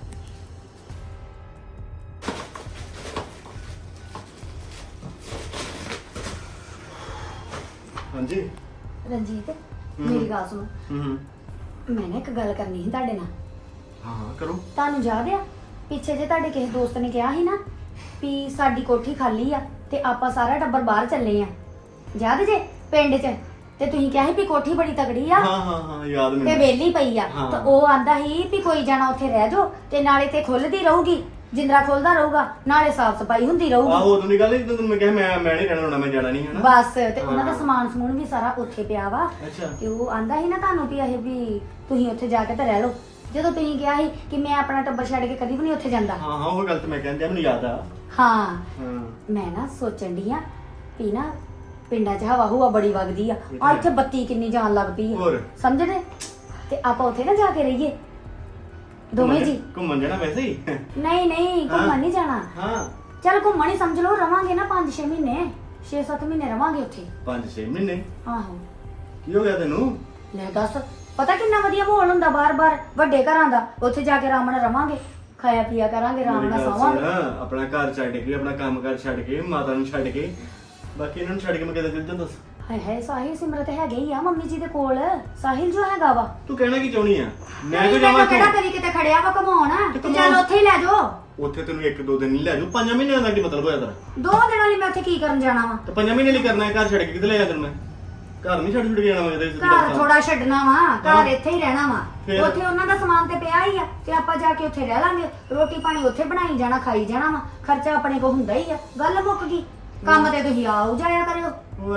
[SPEAKER 5] ਹਾਂਜੀ
[SPEAKER 3] ਰਣਜੀਤ ਮੇਰੀ ਗੱਲ ਸੁਣੋ,
[SPEAKER 5] ਹੂੰ
[SPEAKER 3] ਮੈਂ ਨਾ ਇੱਕ ਗੱਲ ਕਰਨੀ ਸੀ ਤੁਹਾਡੇ ਨਾਲ।
[SPEAKER 5] ਹਾਂ ਕਰੋ।
[SPEAKER 3] ਤੁਹਾਨੂੰ ਯਾਦ ਆ ਪਿੱਛੇ ਜੇ ਤੁਹਾਡੇ ਕਿਸੇ ਦੋਸਤ ਨੇ ਕਿਹਾ ਸੀ ਨਾ ਵੀ ਸਾਡੀ ਕੋਠੀ ਖਾਲੀ ਆ ਤੇ ਆਪਾਂ ਸਾਰਾ ਟੱਬਰ ਬਾਹਰ ਚੱਲੇ ਆ, ਯਾਦ ਜੇ ਪਿੰਡ 'ਚ? ਤੇ ਤੁਸੀਂ ਕਿਹਾ ਸੀ ਵੀ ਕੋਠੀ ਬੜੀ ਤਗੜੀ ਆ
[SPEAKER 5] ਹਾਂ ਯਾਦ
[SPEAKER 3] ਤੇ
[SPEAKER 5] ਮੈਨੂੰ।
[SPEAKER 3] ਵਿਹਲੀ ਪਈ ਆ।
[SPEAKER 5] ਹਾਂ।
[SPEAKER 3] ਤਾਂ ਉਹ ਆਂਦਾ ਸੀ ਵੀ ਕੋਈ ਜਾਣਾ ਉੱਥੇ ਰਹਿ ਜਾਓ, ਤੇ ਨਾਲੇ ਤੇ ਖੁੱਲਦੀ ਰਹੂਗੀ, ਜਿੰਦਰਾ ਖੁੱਲਦਾ ਰਹੂਗਾ, ਨਾਲੇ ਸਾਫ਼ ਸਫਾਈ ਹੁੰਦੀ ਰਹੂਗੀ।
[SPEAKER 5] ਆਹੋ ਉਦੋਂ ਦੀ ਗੱਲ ਹੀ ਜਦੋਂ ਮੈਂ ਕਿਹਾ ਮੈਂ ਨਹੀਂ ਰਹਿਣਾ ਹੋਣਾ, ਮੈਂ ਜਾਣਾ ਨਹੀਂ ਹੈ ਨਾ।
[SPEAKER 3] ਬਸ, ਤੇ ਉਹਨਾਂ ਦਾ
[SPEAKER 5] ਹਾਂ।
[SPEAKER 3] ਸਮਾਨ ਸਮੂਨ ਵੀ ਸਾਰਾ ਉੱਥੇ ਪਿਆ ਵਾ।
[SPEAKER 5] ਅੱਛਾ।
[SPEAKER 3] ਤੇ ਉਹ ਆਂਦਾ ਸੀ ਨਾ ਤੁਹਾਨੂੰ ਵੀ ਇਹ ਵੀ ਤੁਸੀਂ ਉੱਥੇ ਜਾ ਕੇ ਤਾਂ ਰਹਿ ਲਓ। ਜਦੋਂ ਤੁਸੀਂ ਕਿਹਾ ਸੀ ਕਿ ਮੈਂ ਆਪਣਾ ਟੱਬਰ ਛੱਡ ਕੇ ਕਦੀ ਵੀ ਨਹੀਂ ਉੱਥੇ ਜਾਂਦਾ।
[SPEAKER 5] ਹਾਂ ਉਹ ਗੱਲ ਤੇ ਮੈਂ ਕਹਿੰਦਾ, ਮੈਨੂੰ ਯਾਦ ਆ।
[SPEAKER 3] ਹਾਂ,
[SPEAKER 5] ਹਾਂ
[SPEAKER 3] ਮੈਂ ਨਾ ਸੋਚਣ ਡਈ ਆ ਵੀ ਨਾ ਪਿੰਡਾਂ 'ਚ ਹਵਾ ਬੜੀ ਵਗਦੀ ਆ, ਆ ਇੱਥੇ ਬੱਤੀ ਕਿੰਨੀ ਜਾਣ ਲੱਗ ਪਈ ਆ,
[SPEAKER 5] ਹੋਰ?
[SPEAKER 3] ਸਮਝਦੇ? ਤੇ ਆਪਾਂ ਉੱਥੇ ਨਾ ਜਾ ਕੇ ਰਹੀਏ ਦੋਵੇਂ ਜੀ।
[SPEAKER 5] ਘੁੰਮਣ ਜਾਣਾ ਵੈਸੇ ਹੀ?
[SPEAKER 3] ਨਹੀਂ ਘੁੰਮਣ ਨਹੀਂ ਜਾਣਾ।
[SPEAKER 5] ਹਾਂ
[SPEAKER 3] ਚੱਲ ਘੁੰਮਣ ਹੀ ਸਮਝ ਲਓ, ਰਵਾਂਗੇ ਨਾ 5-6 ਮਹੀਨੇ, 6-7 ਮਹੀਨੇ ਰਵਾਂਗੇ ਉੱਥੇ।
[SPEAKER 5] 5-6 ਮਹੀਨੇ?
[SPEAKER 3] ਆਹੋ।
[SPEAKER 5] ਕੀ ਹੋ ਗਿਆ ਤੈਨੂੰ?
[SPEAKER 3] ਲੈ ਦੱਸ, ਪਤਾ ਕਿੰਨਾ ਵਧੀਆ ਮਾਹੌਲ ਹੁੰਦਾ ਬਾਰ-ਬਾਰ ਵੱਡੇ ਘਰਾਂ ਦਾ। ਉੱਥੇ ਜਾ ਕੇ ਆਰਾਮ ਨਾਲ ਰਵਾਂਗੇ, ਖਾਇਆ ਪੀਆ ਕਰਾਂਗੇ, ਆਰਾਮ
[SPEAKER 5] ਮੇਰੀ
[SPEAKER 3] ਨਾਲ
[SPEAKER 5] ਗੱਲ
[SPEAKER 3] ਸੌਵਾਂਗੇ।
[SPEAKER 5] ਸੁਣ, ਆਪਣਾ ਘਰ ਛੱਡ ਕੇ, ਆਪਣਾ ਕੰਮ ਕਾਰ ਛੱਡ ਕੇ, ਮਾਤਾ ਨੂੰ ਛੱਡ ਕੇ, ਬਾਕੀ ਇਹਨਾਂ ਨੂੰ ਛੱਡ ਕੇ ਮੈਂ ਕਿਤੇ ਚੱਲ ਜਾਂ? ਦੱਸ।
[SPEAKER 3] ਹਾਏ ਸਾਹਿਲ ਸਿਮਰਤ ਹੈਗੇ ਹੀ ਆ ਮੰਮੀ ਜੀ ਦੇ ਕੋਲ। ਸਾਹਿਲ ਜੋ ਹੈਗਾ ਵਾ,
[SPEAKER 5] ਤੂੰ ਕਹਿਣਾ ਕੀ ਚਾਹੁੰਦੀ ਆ? ਮੈਂ
[SPEAKER 3] ਨਹੀਂ,
[SPEAKER 5] ਕਿਉਂ ਜਾਵਾਂ
[SPEAKER 3] ਮੈਨੂੰ ਕਿਹੜਾ
[SPEAKER 5] ਇੱਥੋਂ?
[SPEAKER 3] ਕਰੀ ਕਿਤੇ ਖੜਿਆ ਵਾ ਘਮਾਉਣ,
[SPEAKER 5] ਤੇ
[SPEAKER 3] ਤੇ ਚੱਲ ਉੱਥੇ ਹੀ ਲੈ ਜਾਓ।
[SPEAKER 5] ਉੱਥੇ ਤੈਨੂੰ 1-2 ਦਿਨ ਨਹੀਂ ਲੈ ਜਾਊ, 5 ਮਹੀਨਿਆਂ ਦਾ ਕੀ ਮਤਲਬ ਹੋਇਆ ਤੇਰਾ?
[SPEAKER 3] 2 ਦਿਨਾਂ ਲਈ ਮੈਂ ਉੱਥੇ ਕੀ ਕਰਨ ਜਾਣਾ ਵਾ?
[SPEAKER 5] ਤੇ 5 ਮਹੀਨੇ ਲਈ ਕਰਨਾ ਹੈ, ਘਰ ਛੱਡ ਕੇ ਕਿਤੇ ਲੈ ਜਾ ਤੈਨੂੰ ਮੈਂ? ਘਰ ਨਹੀਂ ਛੱਡ ਕੇ ਜਾਣਾ ਮੈਂ ਕਿਤੇ।
[SPEAKER 3] ਘਰ ਥੋੜਾ ਛੱਡਣਾ ਵਾ, ਘਰ
[SPEAKER 5] ਹਾਂ।
[SPEAKER 3] ਇੱਥੇ ਹੀ ਰਹਿਣਾ ਵਾ।
[SPEAKER 5] ਫਿਰ?
[SPEAKER 3] ਉੱਥੇ ਉਹਨਾਂ ਦਾ ਸਮਾਨ ਤੇ ਪਿਆ ਹੀ ਆ, ਤੇ ਆਪਾਂ ਜਾ ਕੇ ਉੱਥੇ ਰਹਿ ਲਾਂਗੇ, ਰੋਟੀ ਪਾਣੀ ਉੱਥੇ ਬਣਾਈ ਜਾਣਾ, ਖਾਈ ਜਾਣਾ ਵਾ, ਖਰਚਾ ਆਪਣੇ ਕੋਲ ਹੁੰਦਾ ਹੀ ਆ। ਗੱਲ ਮੁੱਕ ਗਈ। ਕੰਮ ਤੇ ਤੁਸੀਂ ਆਓ ਜਾਇਆ ਕਰਿਓ।
[SPEAKER 5] ਉਹ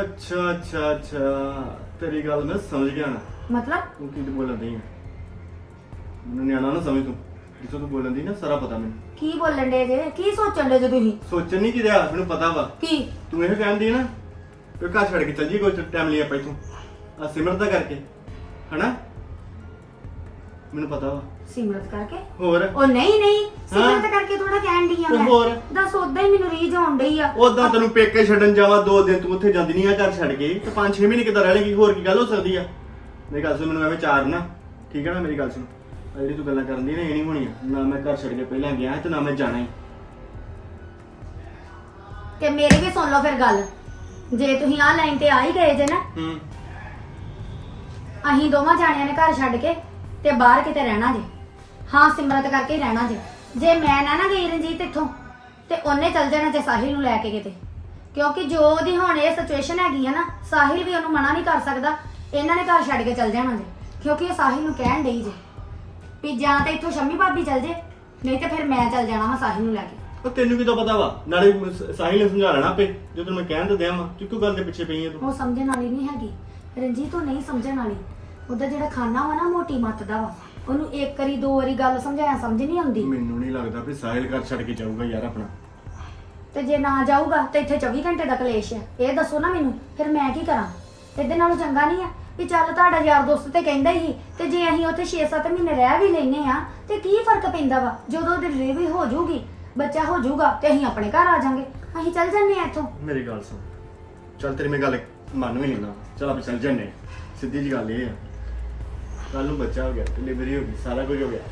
[SPEAKER 5] ਅੱਛਾ ਤੇਰੀ ਗੱਲ ਮੈਂ ਸਮਝ ਗਿਆ ਨਾ।
[SPEAKER 3] ਮਤਲਬ
[SPEAKER 5] ਤੂੰ ਕੀ ਬੋਲਣ ਦੀ ਆ? ਮੈਨੂੰ ਨਿਆਣਾ ਨਾ ਸਮਝ ਤੂੰ। ਜਿੱਥੋਂ ਤੂੰ ਬੋਲਣ ਦੀ ਨਾ ਸਾਰਾ ਪਤਾ ਮੈਨੂੰ।
[SPEAKER 3] ਕੀ ਬੋਲਣ ਦੇ ਜੇ? ਕੀ ਸੋਚਣ ਦੇ ਜੇ ਤੁਸੀਂ?
[SPEAKER 5] ਸੋਚਣ ਨਹੀਂ ਕੀ ਰਿਹਾ, ਮੈਨੂੰ ਪਤਾ ਵਾ।
[SPEAKER 3] ਕੀ?
[SPEAKER 5] ਤੂੰ ਇਹ ਕਹਿੰਦੀ ਨਾ ਕਿ ਘਰ ਛੱਡ ਕੇ ਚੱਲ ਜੀ, ਕੋਈ ਟਾਈਮ ਲਈ ਆਪਾਂ ਇੱਥੋਂ ਆ ਸਿਮਰਤ ਦਾ ਕਰਕੇ, ਹਨਾ? ਮੈਨੂੰ ਪਤਾ ਵਾ।
[SPEAKER 3] ਸਿਮਰਤ ਕਰਕੇ?
[SPEAKER 5] ਹੋਰ
[SPEAKER 3] ਉਹ ਨਹੀਂ ਸਿਮਰਤ ਕਰਕੇ ਥੋੜਾ ਕਹਿਣ ਡਈ ਆ
[SPEAKER 5] ਤੇ
[SPEAKER 3] ਮੈਂ।
[SPEAKER 5] ਹੋਰ?
[SPEAKER 3] ਦੱਸ, ਉਦਾਂ ਹੀ ਮੈਨੂੰ ਰੀਝ ਆਉਣ ਡਈ ਆ।
[SPEAKER 5] ਉਦਾਂ ਤੈਨੂੰ ਪੇਕੇ ਛੱਡਣ ਜਾਵਾਂ 2 ਦਿਨ, ਤੂੰ ਉੱਥੇ ਜਾਂਦੀ ਨਹੀਂ ਆ ਘਰ ਛੱਡ ਕੇ, ਤੇ 5-6 ਮਹੀਨੇ ਕਿੱਦਾਂ ਰਹਿ ਲੇਗੀ? ਹੋਰ ਕੀ ਗੱਲ ਹੋ ਸਕਦੀ ਆ? ਮੇਰੀ ਗੱਲ ਸੁਣ, ਮੈਨੂੰ ਐਵੇਂ ਚਾਰ ਨਾ, ਠੀਕ ਹੈ ਨਾ? ਮੇਰੀ ਗੱਲ ਸੁਣ, ਆ ਜਿਹੜੀ ਤੂੰ ਗੱਲਾਂ ਕਰਨ ਦੀ ਨਾ, ਇਹ ਨਹੀਂ ਹੋਣੀਆਂ। ਨਾ ਮੈਂ ਘਰ ਛੱਡ ਕੇ ਪਹਿਲਾਂ ਗਿਆ ਤੇ ਨਾ ਮੈਂ ਜਾਣਾ ਹੀ।
[SPEAKER 3] ਤੇ ਮੇਰੀ ਵੀ ਸੁਣ ਲਓ ਫਿਰ ਗੱਲ। ਜੇ ਤੁਸੀਂ ਆਹ ਲਾਈਨ ਤੇ ਆ ਹੀ ਗਏ ਜੇ ਨਾ,
[SPEAKER 5] ਹੂੰ
[SPEAKER 3] ਅਸੀਂ ਦੋਵਾਂ ਜਾਣਿਆਂ ਨੇ ਘਰ ਛੱਡ ਕੇ ਤੇ ਬਾਹਰ ਕਿਤੇ ਰਹਿਣਾ ਜੇ। ਹਾਂ, ਸਿਮਰਤ ਕਰਕੇ ਹੀ ਰਹਿਣਾ ਜੇ। ਜੇ ਮੈਂ ਨਾ ਗਈ ਰਣਜੀਤ ਇੱਥੋਂ ਤੇ ਉਹਨੇ ਚੱਲ ਜਾਣਾ ਜੇ ਸਾਹਿਲ ਨੂੰ ਲੈ ਕੇ ਕਿਤੇ, ਕਿਉਂਕਿ ਜੋ ਉਹਦੀ ਹੁਣ ਇਹ ਸਿਚੁਏਸ਼ਨ ਹੈਗੀ ਆ ਨਾ, ਸਾਹਿਲ ਵੀ ਉਹਨੂੰ ਮਨਾ ਨਹੀਂ ਕਰ ਸਕਦਾ। ਇਹਨਾਂ ਨੇ ਘਰ ਛੱਡ ਕੇ ਚੱਲ ਜਾਣਾ ਜੇ, ਕਿਉਂਕਿ ਇਹ ਸਾਹਿਲ ਨੂੰ ਕਹਿਣ ਡਈ ਜੇ ਵੀ ਜਾਂ ਤਾਂ ਇੱਥੋਂ ਸ਼ੰਮੀ ਭਾਬੀ ਚੱਲ ਜੇ, ਨਹੀਂ ਤੇ ਫਿਰ ਮੈਂ ਚੱਲ ਜਾਣਾ ਵਾ ਸਾਹਿਲ ਨੂੰ ਲੈ ਕੇ।
[SPEAKER 5] ਉਹ ਤੈਨੂੰ ਕਿਦੋਂ ਪਤਾ ਵਾ? ਨਾਲੇ ਸਾਹਿਲ ਨੇ ਸਮਝਾ ਲੈਣਾ ਆਪੇ, ਜੇ ਤੈਨੂੰ ਮੈਂ ਕਹਿਣ ਤੇ ਦਿਆਂ ਵਾ, ਤੂੰ ਕਿਉਂ ਗੱਲ ਦੇ ਪਿੱਛੇ ਪਈ ਆ ਤੂੰ?
[SPEAKER 3] ਉਹ ਸਮਝਣ ਵਾਲੀ ਨਹੀਂ ਹੈਗੀ ਰਣਜੀਤ, ਉਹ ਨਹੀਂ ਸਮਝਣ ਵਾਲੀ। ਉਹਦਾ ਜਿਹੜਾ ਖਾਨਾ ਵਾ ਨਾ ਮੋਟੀ ਮੱਤ ਦਾ ਵਾ, ਉਹਨੂੰ ਇੱਕ ਵਾਰੀ ਦੋ ਵਾਰੀ ਗੱਲ ਸਮਝਾਇਆ ਸਮਝ ਨਹੀਂ ਆਉਂਦੀ।
[SPEAKER 5] ਮੈਨੂੰ ਨਹੀਂ ਲੱਗਦਾ ਵੀ ਸਾਹਿਲ ਘਰ ਛੱਡ ਕੇ ਜਾਊਗਾ ਯਾਰ ਆਪਣਾ।
[SPEAKER 3] ਤੇ ਜੇ ਨਾ ਜਾਊਗਾ ਤੇ ਇੱਥੇ 24 ਘੰਟੇ ਦਾ ਕਲੇਸ਼ ਆ। ਇਹ ਦੱਸੋ ਨਾ ਮੈਨੂੰ, ਫਿਰ ਮੈਂ ਕੀ ਕਰਾਂ? ਇਹਦੇ ਨਾਲੋਂ ਚੰਗਾ ਨਹੀਂ ਆ ਵੀ ਚੱਲ ਤੁਹਾਡਾ ਯਾਰ ਦੋਸਤ ਤੇ ਕਹਿੰਦਾ ਹੀ, ਤੇ ਜੇ ਅਸੀਂ ਉੱਥੇ 6-7 ਮਹੀਨੇ ਰਹਿ ਵੀ ਲੈਨੇ ਆ ਤੇ ਕੀ ਫਰਕ ਪੈਂਦਾ ਵਾ? ਜਦੋਂ ਡਿਲੀਵਰੀ ਹੋ ਜਾਊਗੀ, ਬੱਚਾ ਹੋ ਜਾਊਗਾ, ਤੇ ਅਸੀਂ ਆਪਣੇ ਘਰ ਆ ਜਾਾਂਗੇ। ਅਸੀਂ ਚੱਲ ਜੰਨੇ ਆ ਇੱਥੋਂ।
[SPEAKER 5] ਮੇਰੀ ਗੱਲ ਸੁਣ, ਚੱਲ ਤੇਰੀ ਮੈਂ ਗੱਲ ਮੰਨ ਵੀ ਲੈਣਾ, ਚੱਲ ਆਪਾਂ ਚੱਲ ਜੰਨੇ। ਸਿੱਧੀ ਜੀ ਗੱਲ ਇਹ ਆ, ਕੱਲ ਨੂੰ ਬੱਚਾ ਹੋ ਗਿਆ, ਡਿਲੀਵਰੀ ਹੋ ਗਈ, ਸਾਰਾ ਕੁਝ ਹੋ ਗਿਆ,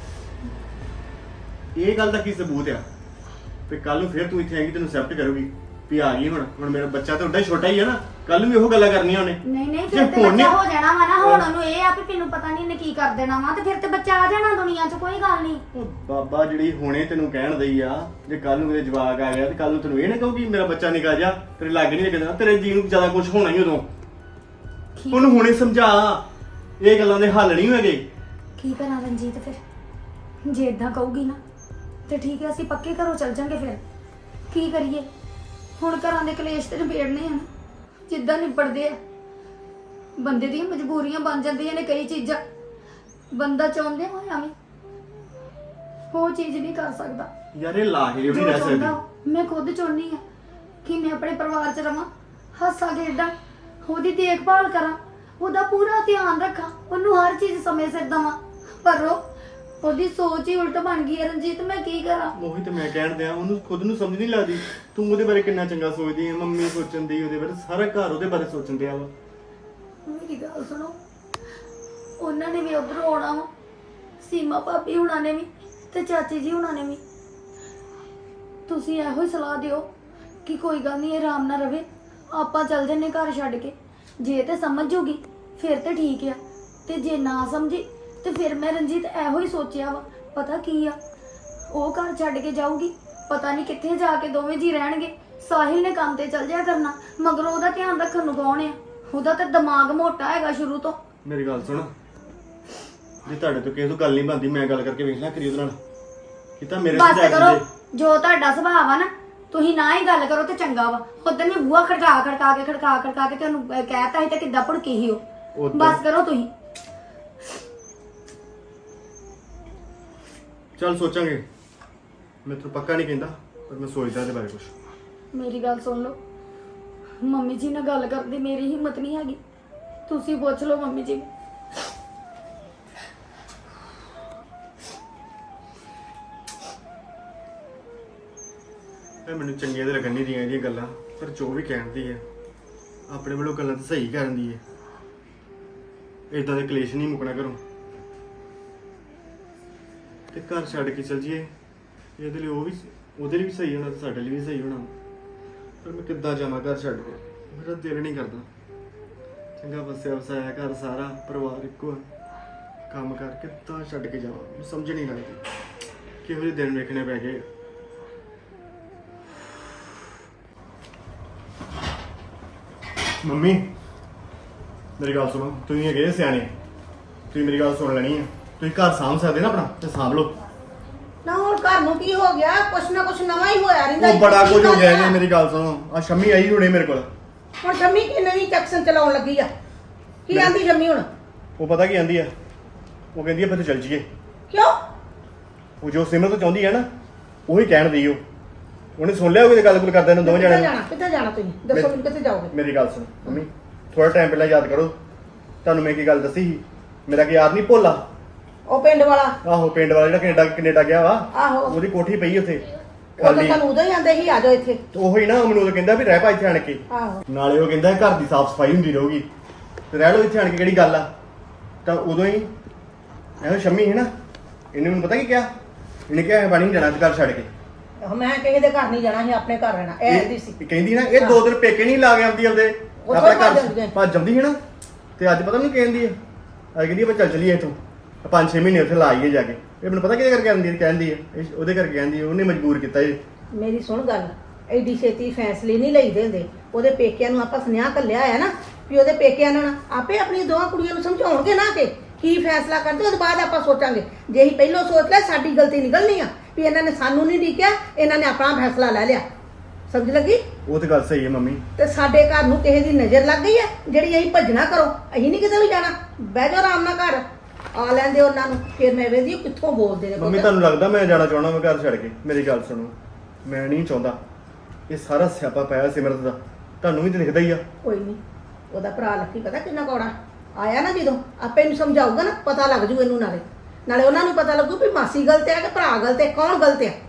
[SPEAKER 5] ਇਹ ਗੱਲ ਦਾ ਕੀ ਸਬੂਤ ਆ ਵੀ ਕੱਲ ਨੂੰ ਫਿਰ ਤੂੰ ਇੱਥੇ ਆਏਗੀ, ਤੈਨੂੰ ਐਕਸੈਪਟ ਕਰੂਗੀ ਵੀ ਆ ਗਈ ਹੁਣ ਮੇਰਾ ਬੱਚਾ ਤਾਂ ਉੱਡਾ ਹੀ ਛੋਟਾ ਹੀ ਆ ਨਾ, ਕੱਲ ਨੂੰ ਵੀ ਉਹ ਗੱਲਾਂ ਕਰਨੀਆਂ ਉਹਨੇ।
[SPEAKER 3] ਨਹੀਂ ਫਿਰ ਤੇ ਬੱਚਾ ਹੋ ਜਾਣਾ ਵਾ ਨਾ। ਹੁਣ ਉਹਨੂੰ ਇਹ ਆ ਵੀ ਮੈਨੂੰ ਪਤਾ ਨਹੀਂ ਇਹਨੇ ਕੀ ਕਰ ਦੇਣਾ ਵਾ, ਤੇ ਫਿਰ ਤੇ ਬੱਚਾ ਆ ਜਾਣਾ ਦੁਨੀਆ 'ਚ, ਕੋਈ ਗੱਲ ਨਹੀਂ।
[SPEAKER 5] ਉਹ ਬਾਬਾ ਜਿਹੜੀ ਹੁਣੇ ਤੈਨੂੰ ਕਹਿਣ ਦਈ ਆ, ਜੇ ਕੱਲ ਨੂੰ ਮੇਰੇ ਜਵਾਕ ਆ ਗਿਆ ਤੇ ਕੱਲ ਨੂੰ ਤੈਨੂੰ ਇਹ ਨਾ ਕਹੂਗੀ ਮੇਰਾ ਬੱਚਾ ਨਿਕਾ ਜਾ, ਤੇਰੇ ਲਾਗੇ ਨਹੀਂ ਲੱਗਦਾ, ਤੇਰੇ ਜੀ ਨੂੰ ਜ਼ਿਆਦਾ ਕੁਝ ਹੋਣਾ ਹੀ ਉਦੋਂ। ਉਹਨੂੰ ਹੁਣੇ ਸਮਝਾ, ਇਹ ਗੱਲਾਂ ਦੇ ਹੱਲ ਨਹੀਂ ਹੋਏਗੇ।
[SPEAKER 3] ਕੀ ਕਰਾਂ ਰਣਜੀਤ? ਫਿਰ ਜੇ ਇਦਾਂ ਕਹੂਗੀ ਨਾ ਤੇ ਠੀਕ ਹੈ, ਅਸੀਂ ਪੱਕੇ ਘਰੋਂ ਚੱਲ ਜਾਂਗੇ। ਫਿਰ ਕੀ ਕਰੀਏ? ਹੁਣ ਘਰਾਂ ਦੇ ਕਲੇਸ਼ ਤੇ ਨਿਬੇੜਨੇ ਆ, ਜਿੱਦਾਂ ਨਿਬੜਦੇ ਆ। ਬੰਦੇ ਦੀਆਂ ਮਜਬੂਰੀਆਂ ਬਣ ਜਾਂਦੀਆਂ ਨੇ ਕਈ ਚੀਜ਼ਾਂ, ਬੰਦਾ ਚਾਹੁੰਦੇ ਹੋਇਆ ਵੀ ਉਹ ਚੀਜ਼ ਨਹੀਂ ਕਰ ਸਕਦਾ।
[SPEAKER 5] ਯਾਰ ਇਹ ਲਾਹੇ ਵੀ
[SPEAKER 3] ਜੋ
[SPEAKER 5] ਰਹਿ
[SPEAKER 3] ਚਾਹੁੰਦਾ
[SPEAKER 5] ਸਕਦੀ।
[SPEAKER 3] ਮੈਂ ਖੁਦ ਚਾਹੁੰਦੀ ਆ ਕਿ ਮੈਂ ਆਪਣੇ ਪਰਿਵਾਰ 'ਚ ਰਵਾਂ, ਹੱਸਾਂ ਖੇਡਾਂ, ਉਹਦੀ ਦੇਖਭਾਲ ਕਰਾਂ, ਉਹਦਾ ਪੂਰਾ ਧਿਆਨ ਰੱਖਾਂ, ਉਹਨੂੰ ਹਰ ਚੀਜ਼ ਸਮੇਂ ਸਿਰ ਦੇਵਾਂ। ਪਰ ਉਹਦੀ ਸੋਚ ਹੀ ਉਲਟ ਬਣ ਗਈ ਹੈ ਰਣਜੀਤ, ਮੈਂ ਕੀ ਕਰਾਂ?
[SPEAKER 5] ਉਹੀ ਤਾਂ ਮੈਂ ਕਹਿਣ ਦਿਆਂ, ਉਹਨੂੰ ਖੁਦ ਨੂੰ ਸਮਝ ਨਹੀਂ ਲੱਗਦੀ। ਤੂੰ ਉਹਦੇ ਬਾਰੇ ਕਿੰਨਾ ਚੰਗਾ ਸੋਚਦੀ ਹੈ, ਮੰਮੀ ਸੋਚਣ ਦੀ ਉਹਦੇ ਬਾਰੇ, ਸਾਰਾ ਘਰ ਉਹਦੇ ਬਾਰੇ ਸੋਚਣ ਦਿਆ ਵਾ।
[SPEAKER 3] ਮੇਰੀ ਗੱਲ ਸੁਣੋ, ਉਹਨਾਂ ਨੇ ਵੀ ਉੱਧਰੋਂ ਆਉਣਾ ਵਾ, ਸੀਮਾ ਭਾਬੀ ਹੁਣਾਂ ਨੇ ਵੀ ਤੇ ਚਾਚੀ ਜੀ ਹੁਣਾਂ ਨੇ ਵੀ। ਤੁਸੀਂ ਇਹੋ ਹੀ ਸਲਾਹ ਦਿਓ ਕਿ ਕੋਈ ਗੱਲ ਨਹੀਂ, ਇਹ ਆਰਾਮ ਨਾਲ ਰਵੇ, ਆਪਾਂ ਚੱਲ ਜੰਨੇ ਘਰ ਛੱਡ ਕੇ। ਜੇ ਤੇ ਸਮਝ ਜੂਗੀ ਫਿਰ ਤੇ ਠੀਕ ਆ, ਤੇ ਜੇ ਨਾ ਸਮਝੀ ਤੇ ਫਿਰ ਮੈਂ ਰਣਜੀਤ ਇਹੋ ਹੀ ਸੋਚਿਆ ਵਾ, ਪਤਾ ਕੀ ਆ, ਉਹ ਘਰ ਛੱਡ ਕੇ ਜਾਊਗੀ, ਪਤਾ ਨਹੀਂ ਕਿੱਥੇ ਜਾ ਕੇ ਦੋਵੇਂ ਜੀ ਰਹਿਣਗੇ। ਸਾਹਿਲ ਨੇ ਕੰਮ ਤੇ ਚੱਲ ਜਾਇਆ ਕਰਨਾ, ਮਗਰੋਂ ਉਹਦਾ ਧਿਆਨ ਰੱਖਣ ਨੂੰ ਕੌਣ ਆ? ਉਹਦਾ ਤਾਂ ਦਿਮਾਗ ਮੋਟਾ ਹੈਗਾ ਸ਼ੁਰੂ ਤੋਂ।
[SPEAKER 5] ਮੇਰੀ ਗੱਲ ਸੁਣ, ਜੇ ਤੁਹਾਡੇ ਤੋਂ ਕਿਸੇ ਤੋਂ ਗੱਲ ਨਹੀਂ ਬਣਦੀ, ਮੈਂ ਗੱਲ ਕਰਕੇ ਵੇਖ ਲੈ ਕਰੀ ਉਹਦੇ ਨਾਲ, ਕਿ ਤਾਂ ਮੇਰੇ
[SPEAKER 3] ਬਸ
[SPEAKER 5] ਸੁਝਾਅ
[SPEAKER 3] ਕਰੋ,
[SPEAKER 5] ਦਿੰਦੇ।
[SPEAKER 3] ਜੋ ਤੁਹਾਡਾ ਸੁਭਾਅ ਆ ਨਾ, ਤੁਸੀਂ ਨਾ ਹੀ ਗੱਲ ਕਰੋ ਤੇ ਚੰਗਾ ਵਾ। ਉਦੋਂ ਮੈਂ ਬੂਹਾ ਖੜਕਾ ਕੇ ਤੁਹਾਨੂੰ ਕਹਿਤਾ ਸੀ ਤੇ ਕਿੱਦਾਂ ਭੜਕੀ ਸੀ ਉਹ। ਬਸ ਕਰੋ ਤੁਸੀਂ।
[SPEAKER 5] ਚੱਲ ਸੋਚਾਂਗੇ, ਮੈਂ ਤੈਨੂੰ ਪੱਕਾ ਨਹੀਂ ਕਹਿੰਦਾ, ਪਰ ਮੈਂ ਸੋਚਦਾ ਇਹਦੇ ਬਾਰੇ ਕੁਝ।
[SPEAKER 3] ਮੇਰੀ ਗੱਲ ਸੁਣ ਲਓ, ਮੰਮੀ ਜੀ ਨਾਲ ਗੱਲ ਕਰਨ ਦੀ ਮੇਰੀ ਹਿੰਮਤ ਨਹੀਂ ਹੈਗੀ, ਤੁਸੀਂ ਪੁੱਛ ਲਓ ਮੰਮੀ ਜੀ ਨੂੰ।
[SPEAKER 5] ਇਹ ਮੈਨੂੰ ਚੰਗੀਆਂ ਤੇ ਲੱਗਣ ਨਹੀਂ ਦੀਆਂ ਇਹਦੀਆਂ ਗੱਲਾਂ, ਪਰ ਜੋ ਵੀ ਕਹਿੰਦੀ ਹੈ ਆਪਣੇ ਵੱਲੋਂ ਗੱਲਾਂ ਤਾਂ ਸਹੀ ਕਰਦੀ ਹੈ। ਇਦਾਂ ਦੇ ਕਲੇਸ਼ ਨਹੀਂ ਮੁੱਕਣਾ ਘਰੋਂ, ਤੇ ਘਰ ਛੱਡ ਕੇ ਚਲ ਜੀਏ, ਇਹਦੇ ਲਈ ਉਹ ਵੀ, ਉਹਦੇ ਲਈ ਵੀ ਸਹੀ ਹੋਣਾ ਤੇ ਸਾਡੇ ਲਈ ਵੀ ਸਹੀ ਹੋਣਾ। ਪਰ ਮੈਂ ਕਿੱਦਾਂ ਜਾਵਾਂ ਘਰ ਛੱਡ ਕੇ? ਮੇਰਾ ਦਿਲ ਨਹੀਂ ਕਰਦਾ। ਚੰਗਾ ਵਸਿਆ ਵਸਾਇਆ ਘਰ, ਸਾਰਾ ਪਰਿਵਾਰ ਇੱਕੋ, ਕੰਮ ਕਰਕੇ ਤਾਂ ਛੱਡ ਕੇ ਜਾਵਾਂ? ਮੈਨੂੰ ਸਮਝ ਨਹੀਂ ਲੱਗਦੀ ਕਿਹੋ ਜਿਹੇ ਦਿਨ ਵੇਖਣੇ ਪੈ ਗਏ। ਮੰਮੀ ਮੇਰੀ ਗੱਲ ਸੁਣੋ, ਤੁਸੀਂ ਹੈਗੇ ਸਿਆਣੇ, ਤੁਸੀਂ ਮੇਰੀ ਗੱਲ ਸੁਣ ਲੈਣੀ ਹੈ। ਤੁਸੀਂ ਘਰ ਸਾਂਭ ਸਕਦੇ ਨਾ ਆਪਣਾ, ਤੇ ਸਾਂਭ ਲਓ।
[SPEAKER 4] ਨਾ ਹੁਣ ਘਰ ਨੂੰ ਕੀ ਹੋ ਗਿਆ? ਕੁਛ ਨਾ ਕੁਛ ਨਵਾਂ ਹੀ ਹੋਇਆ ਰਹਿੰਦਾ।
[SPEAKER 5] ਉਹ ਬੜਾ ਕੁਝ ਹੋ ਗਿਆ ਜੀ। ਮੇਰੀ ਗੱਲ ਸੁਣੋ, ਆ ਸ਼ੰਮੀ ਆਈ ਹੁਣੇ ਮੇਰੇ ਕੋਲ।
[SPEAKER 4] ਹੁਣ ਸ਼ੰਮੀ ਕੀ ਨਵੀਂ ਟੈਕਸਨ ਚਲਾਉਣ ਲੱਗੀ ਆ? ਕੀ ਆਂਦੀ ਸ਼ੰਮੀ ਹੁਣ?
[SPEAKER 5] ਉਹ ਪਤਾ ਕੀ ਆਂਦੀ ਆ? ਉਹ ਕਹਿੰਦੀ ਆ ਫਿਰ ਚੱਲ ਜੀਏ।
[SPEAKER 4] ਕਿਉਂ?
[SPEAKER 5] ਉਹ ਜੋ ਸਿਮਰਤ ਚਾਹੁੰਦੀ ਹੈ ਨਾ, ਉਹੀ ਕਹਿਣ ਦੀ ਉਹ। ਉਹਨੇ ਸੁਣ ਲਿਆ ਉਹਦੇ ਗੱਲ ਕਰਦੇ ਨੇ ਦੋਵੇਂ ਜਣੇ।
[SPEAKER 4] ਕਿੱਥੇ ਜਾਣਾ ਤੁਸੀਂ? ਦੱਸੋ ਮੈਨੂੰ ਕਿੱਥੇ ਜਾਓਗੇ?
[SPEAKER 5] ਮੇਰੀ ਗੱਲ ਸੁਣ ਮੰਮੀ, ਥੋੜਾ ਟਾਈਮ ਪਹਿਲਾਂ ਯਾਦ ਕਰੋ, ਤੁਹਾਨੂੰ ਮੈਂ ਕੀ ਗੱਲ ਦੱਸੀ ਸੀ। ਮੇਰਾ ਕੀ ਯਾਦ ਨਹੀਂ ਭੋਲਾ?
[SPEAKER 4] ਉਹ ਪਿੰਡ ਵਾਲਾ?
[SPEAKER 5] ਆਹੋ, ਪਿੰਡ ਵਾਲਾ ਜਿਹੜਾ ਕੈਨੇਡਾ ਗਿਆ ਵਾ।
[SPEAKER 4] ਆਹੋ,
[SPEAKER 5] ਉਹਦੀ ਕੋਠੀ ਪਈ ਉੱਥੇ
[SPEAKER 4] ਉਹ ਤਾਂ ਤੁਹਾਨੂੰ ਉਦੋਂ ਹੀ ਆਂਦੇ ਸੀ ਆ ਜਾਓ ਇੱਥੇ।
[SPEAKER 5] ਉਹੀ ਨਾ, ਮੈਨੂੰ ਉਹ ਕਹਿੰਦਾ ਵੀ ਰਹਿ ਪਾ ਇੱਥੇ ਆਣ ਕੇ।
[SPEAKER 4] ਆਹੋ,
[SPEAKER 5] ਨਾਲੇ ਉਹ ਕਹਿੰਦਾ ਘਰ ਦੀ ਸਾਫ਼ ਸਫਾਈ ਹੁੰਦੀ ਰਹੂਗੀ, ਤੇ ਰਹਿ ਲਓ ਇੱਥੇ ਆਣ ਕੇ, ਕਿਹੜੀ ਗੱਲ ਆ? ਤਾਂ ਉਦੋਂ ਹੀ ਇਹੋ ਸ਼ੰਮੀ ਹੈ ਨਾ, ਇਹਨੇ ਮੈਨੂੰ ਪਤਾ ਕੀ ਕਿਹਾ? ਇਹਨੇ ਕਿਹਾ ਪਾਣੀ ਨਹੀਂ ਜਾਣਾ ਘਰ ਛੱਡ ਕੇ।
[SPEAKER 4] ਮੈਂ ਕਿਸੇ ਦੇ ਘਰ ਨਹੀਂ ਜਾਣਾ ਸੀ, ਆਪਣੇ ਘਰ ਰਹਿਣਾ ਇਹ ਦੀ ਸੀ।
[SPEAKER 5] ਕਹਿੰਦੀ ਨਾ ਇਹ 2 ਦਿਨ ਪੇਕੇ ਨਹੀਂ ਲਾ ਕੇ ਆਉਂਦੀ ਆਪਦੇ
[SPEAKER 4] ਉੱਥੋਂ
[SPEAKER 5] ਆਪਣਾ
[SPEAKER 4] ਭੱਜ
[SPEAKER 5] ਘਰ
[SPEAKER 4] ਜਾਂਦੀ ਹੈ।
[SPEAKER 5] ਭੱਜ ਜਾਂਦੀ ਹੈ ਨਾ। ਤੇ ਅੱਜ ਪਤਾ ਨਹੀਂ ਕਹਿੰਦੀ ਹੈ, ਅੱਜ ਕਹਿੰਦੀ ਆਪਾਂ ਚੱਲ ਚਲੀਏ ਇੱਥੋਂ 5-6 ਮਹੀਨੇ ਉੱਥੇ ਲਾਈਏ ਜਾ ਕੇ। ਇਹ ਮੈਨੂੰ ਪਤਾ ਕਿਹਦੇ ਕਰਕੇ ਕਹਿੰਦੀ ਹੈ ਉਹਦੇ ਕਰਕੇ ਕਹਿੰਦੀ ਹੈ, ਉਹਨੇ ਮਜਬੂਰ ਕੀਤਾ ਇਹ।
[SPEAKER 4] ਮੇਰੀ ਸੁਣ ਗੱਲ, ਐਡੀ ਛੇਤੀ ਫੈਸਲੇ ਨਹੀਂ ਲਈਦੇ ਹੁੰਦੇ। ਉਹਦੇ ਪੇਕਿਆਂ ਨੂੰ ਆਪਾਂ ਸੁਨੇਹਾ ਘੱਲਿਆ ਆ ਨਾ ਵੀ ਉਹਦੇ ਪੇਕਿਆਂ ਨਾਲ ਆਪੇ ਆਪਣੀ ਦੋਵਾਂ ਕੁੜੀਆਂ ਨੂੰ ਸਮਝਾਉਣਗੇ ਨਾ ਕਿ ਕੀ ਫੈਸਲਾ ਕਰਦੇ, ਉਹਦੇ ਬਾਅਦ ਆਪਾਂ ਸੋਚਾਂਗੇ। ਜੇ ਅਸੀਂ ਪਹਿਲਾਂ ਸੋਚ ਲਿਆ ਸਾਡੀ ਗਲਤੀ ਨਿਕਲਣੀ ਆ ਵੀ ਇਹਨਾਂ ਨੇ ਸਾਨੂੰ ਨਹੀਂ ਡੀਕਿਆ, ਇਹਨਾਂ ਨੇ ਆਪਣਾ ਫੈਸਲਾ ਲੈ ਲਿਆ। ਸਮਝ ਲੱਗੀ?
[SPEAKER 5] ਉਹ ਤੇ ਗੱਲ ਸਹੀ ਹੈ ਮੰਮੀ।
[SPEAKER 4] ਤੇ ਸਾਡੇ ਘਰ ਨੂੰ ਕਿਸੇ ਦੀ ਨਜ਼ਰ ਲੱਗ ਗਈ ਹੈ ਜਿਹੜੀ ਅਸੀਂ ਭੱਜਣਾ ਕਰੋ। ਅਸੀਂ ਨਹੀਂ ਕਿਤੇ ਵੀ ਜਾਣਾ, ਬਹਿ ਜਾਓ ਆਰਾਮ ਨਾਲ ਘਰ, ਆ ਲੈਂਦੇ ਉਹਨਾਂ ਨੂੰ। ਫਿਰ ਮੈਂ ਵੇਖਦੀ ਕਿੱਥੋਂ ਬੋਲਦੇ ਨੇ
[SPEAKER 5] ਮੰਮੀ ਤੁਹਾਨੂੰ ਲੱਗਦਾ ਮੈਂ ਜਾਣਾ ਚਾਹੁੰਦਾ ਮੈਂ ਘਰ ਛੱਡ ਕੇ? ਮੇਰੀ ਗੱਲ ਸੁਣੋ, ਮੈਂ ਨਹੀਂ ਚਾਹੁੰਦਾ। ਇਹ ਸਾਰਾ ਸਿਆਪਾ ਪਾਇਆ ਸਿਮਰਤ ਦਾ, ਤੁਹਾਨੂੰ ਵੀ ਤੇ ਦਿਖਦਾ ਹੀ ਆ।
[SPEAKER 4] ਕੋਈ ਨਹੀਂ, ਉਹਦਾ ਭਰਾ ਲੱਕੀ ਪਤਾ ਕਿੰਨਾ ਕੌੜਾ ਆਇਆ ਨਾ, ਜਦੋਂ ਆਪੇ ਨੂੰ ਸਮਝਾਊਗਾ ਨਾ ਪਤਾ ਲੱਗ ਜੂ ਇਹਨੂੰ। ਨਾਲੇ ਉਹਨਾਂ ਨੂੰ ਪਤਾ ਲੱਗੂ ਵੀ ਮਾਸੀ ਗਲਤ ਹੈ ਕਿ ਭਰਾ ਗਲਤ ਹੈ, ਕੌਣ ਗਲਤ ਹੈ।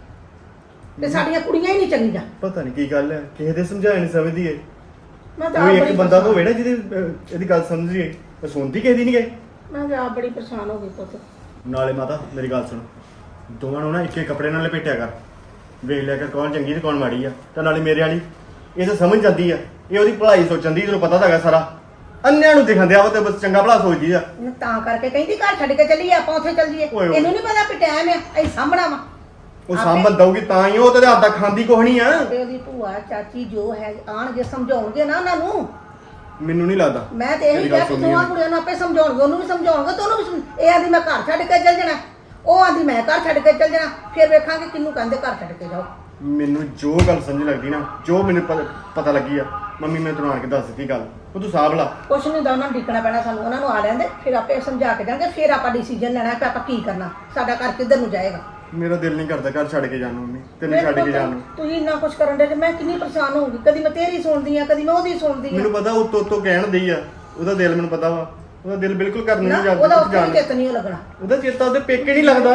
[SPEAKER 4] ਤੇ ਸਾਡੀਆਂ ਕੁੜੀਆਂ ਹੀ ਨਹੀਂ ਚੰਗੀਆਂ।
[SPEAKER 5] ਪਤਾ ਨਹੀਂ ਕੀ ਗੱਲ ਹੈ, ਕਿਸੇ ਦੇ ਸਮਝਾਇਆ ਨਹੀਂ ਸਮਝਦੀ ਏ।
[SPEAKER 4] ਮੈਂ ਤਾਂ
[SPEAKER 5] ਕੋਈ
[SPEAKER 4] ਆਪ
[SPEAKER 5] ਇੱਕ
[SPEAKER 4] ਬੜੀ
[SPEAKER 5] ਬੰਦਾ ਤਾਂ
[SPEAKER 4] ਪਰੇਸ਼ਾਨ-
[SPEAKER 5] ਹੋਵੇ ਨਾ ਜਿਹਦੀ ਇਹਦੀ ਗੱਲ ਸਮਝੀਏ, ਪਰ ਸੁਣਦੀ ਕਿਸੇ ਦੀ ਨਹੀਂ ਗਏ।
[SPEAKER 4] ਮੈਂ ਤਾਂ ਆਪ ਬੜੀ ਪਰੇਸ਼ਾਨ ਹੋ ਗਈ ਪੁੱਤ।
[SPEAKER 5] ਨਾਲੇ ਮਾਤਾ ਮੇਰੀ ਗੱਲ ਸੁਣ, ਦੋਵਾਂ ਨੂੰ ਨਾ ਇੱਕੇ ਕੱਪੜੇ ਨਾਲ ਲਪੇਟਿਆ ਕਰ, ਵੇਖ ਲਿਆ ਕਰ ਕੌਣ ਚੰਗੀ ਤੇ ਕੌਣ ਮਾੜੀ ਆ। ਤੇ ਨਾਲੇ ਮੇਰੇ ਵਾਲੀ ਇਹ ਤਾਂ ਸਮਝ ਜਾਂਦੀ ਆ, ਇਹ ਉਹਦੀ ਭਲਾਈ ਸੋਚਣ ਦੀ, ਤੈਨੂੰ ਪਤਾ ਤਾਂ ਹੈਗਾ ਸਾਰਾ। ਅੰਨਿਆਂ ਨੂੰ ਦਿਖਾਉਂਦੇ ਆ ਉਹ ਤੇ ਬਸ ਚੰਗਾ ਭਲਾ ਸੋਚਦੀ ਆ।
[SPEAKER 4] ਮੈਂ ਤਾਂ ਕਰਕੇ ਕਹਿੰਦੀ ਘਰ ਛੱਡ ਕੇ ਚੱਲੀਏ, ਆਪਾਂ ਉੱਥੇ ਚੱਲ ਜੀਏ।
[SPEAKER 5] ਓਏ ਓਏ।
[SPEAKER 4] ਇਹਨੂੰ ਨਹੀਂ ਪਤਾ ਵੀ ਟਾਈਮ ਹੈ ਅਸੀਂ ਸਾਂਭਣਾ ਵਾ।
[SPEAKER 5] ਉਹ ਸਾਂਭਣ ਦਊਗੀ ਤਾਂ ਹੀ, ਉਹ ਤੇ ਹੱਥ ਦਾ ਖਾਂਦੀ ਕੁਛ ਨਹੀਂ ਆ।
[SPEAKER 4] ਤੇ ਉਹਦੀ ਭੂਆ ਚਾਚੀ ਜੋ ਹੈ ਆਣਗੇ ਸਮਝਾਉਣਗੇ ਨਾ ਉਹਨਾਂ ਨੂੰ।
[SPEAKER 5] ਮੈਨੂੰ ਨਹੀਂ ਲੱਗਦਾ।
[SPEAKER 4] ਮੈਂ ਤੇ ਇਹੀ
[SPEAKER 5] ਮੇਰੀ
[SPEAKER 4] ਕਿਹਾ
[SPEAKER 5] ਗੱਲ
[SPEAKER 4] ਕਿ
[SPEAKER 5] ਸੁਣਨੀ
[SPEAKER 4] ਦੋਵਾਂ
[SPEAKER 5] ਆ।
[SPEAKER 4] ਕੁੜੀਆਂ ਨੂੰ ਆਪੇ ਸਮਝਾਉਣਗੇ, ਉਹਨੂੰ ਵੀ ਸਮਝਾਉਣਗੇ ਤੇ ਉਹਨੂੰ ਵੀ ਇਹ ਆਂਦੀ ਮੈਂ ਘਰ ਛੱਡ ਕੇ ਚੱਲ ਜਾਣਾ, ਉਹ ਆਂਦੀ ਮੈਂ ਘਰ ਛੱਡ ਕੇ ਚੱਲ ਜਾਣਾ। ਫਿਰ ਵੇਖਾਂਗੇ ਕਿਹਨੂੰ ਕਹਿੰਦੇ ਘਰ ਛੱਡ ਕੇ ਜਾਓ।
[SPEAKER 5] ਮੈਨੂੰ ਜੋ ਗੱਲ ਸਮਝ ਲੱਗਦੀ ਨਾ, ਜੋ ਮੈਨੂੰ ਪਤਾ ਲੱਗੀ ਆ ਮੰਮੀ, ਮੈਂ ਤੈਨੂੰ ਆਣ ਕੇ ਦੱਸ ਦਿੱਤੀ ਗੱਲ, ਉਹ ਤੂੰ ਸਾਂਭ ਲਾ।
[SPEAKER 4] ਕੁਛ ਨਹੀਂ ਦਾ ਉਹਨਾਂ ਨੂੰ ਡਿੱਕਣਾ ਪੈਣਾ ਸਾਨੂੰ, ਉਹਨਾਂ ਨੂੰ ਆ ਲੈਂਦੇ ਫਿਰ ਆਪੇ ਸਮਝਾ ਕੇ ਜਾਣਗੇ। ਫਿਰ ਆਪਾਂ ਡਿਸੀਜਨ ਲੈਣਾ ਕਿ ਆਪਾਂ ਕੀ ਕਰਨਾ, ਸਾਡਾ ਘਰ ਕਿੱਧਰ ਨੂੰ ਜਾਏਗਾ।
[SPEAKER 5] ਮੇਰਾ ਦਿਲ ਨਹੀਂ ਕਰਦਾ ਘਰ ਛੱਡ ਕੇ ਜਾਣ ਨੂੰ ਮੰਮੀ, ਤੈਨੂੰ ਛੱਡ ਕੇ ਜਾਣ ਨੂੰ।
[SPEAKER 4] ਤੁਸੀਂ ਇੰਨਾ ਕੁਛ ਕਰਨ ਦੇ, ਮੈਂ ਕਿੰਨੀ ਪਰੇਸ਼ਾਨ ਹੋਊਗੀ। ਕਦੀ ਮੈਂ ਤੇਰੀ ਸੁਣਦੀ ਆ, ਕਦੀ ਮੈਂ ਉਹਦੀ ਸੁਣਦੀ ਆ।
[SPEAKER 5] ਮੈਨੂੰ ਪਤਾ ਉੱਤੋਂ ਕਹਿਣ ਦਈ ਆ, ਉਹਦਾ ਦਿਲ ਮੈਨੂੰ ਪਤਾ ਵਾ, ਉਹਦਾ ਦਿਲ ਬਿਲਕੁਲ ਕਰਨ
[SPEAKER 4] ਨਾ
[SPEAKER 5] ਨਹੀਂ ਜਾਂਦਾ
[SPEAKER 4] ਉਹਦਾ ਉੱਥੇ
[SPEAKER 5] ਜਾਣ।
[SPEAKER 4] ਵੀ ਚਿੱਤ ਨਹੀਂ ਲੱਗਣਾ।
[SPEAKER 5] ਉਹਦਾ ਚੇਤਾ ਉਹਦੇ ਪੇਕੇ ਨਹੀਂ ਲੱਗਦਾ,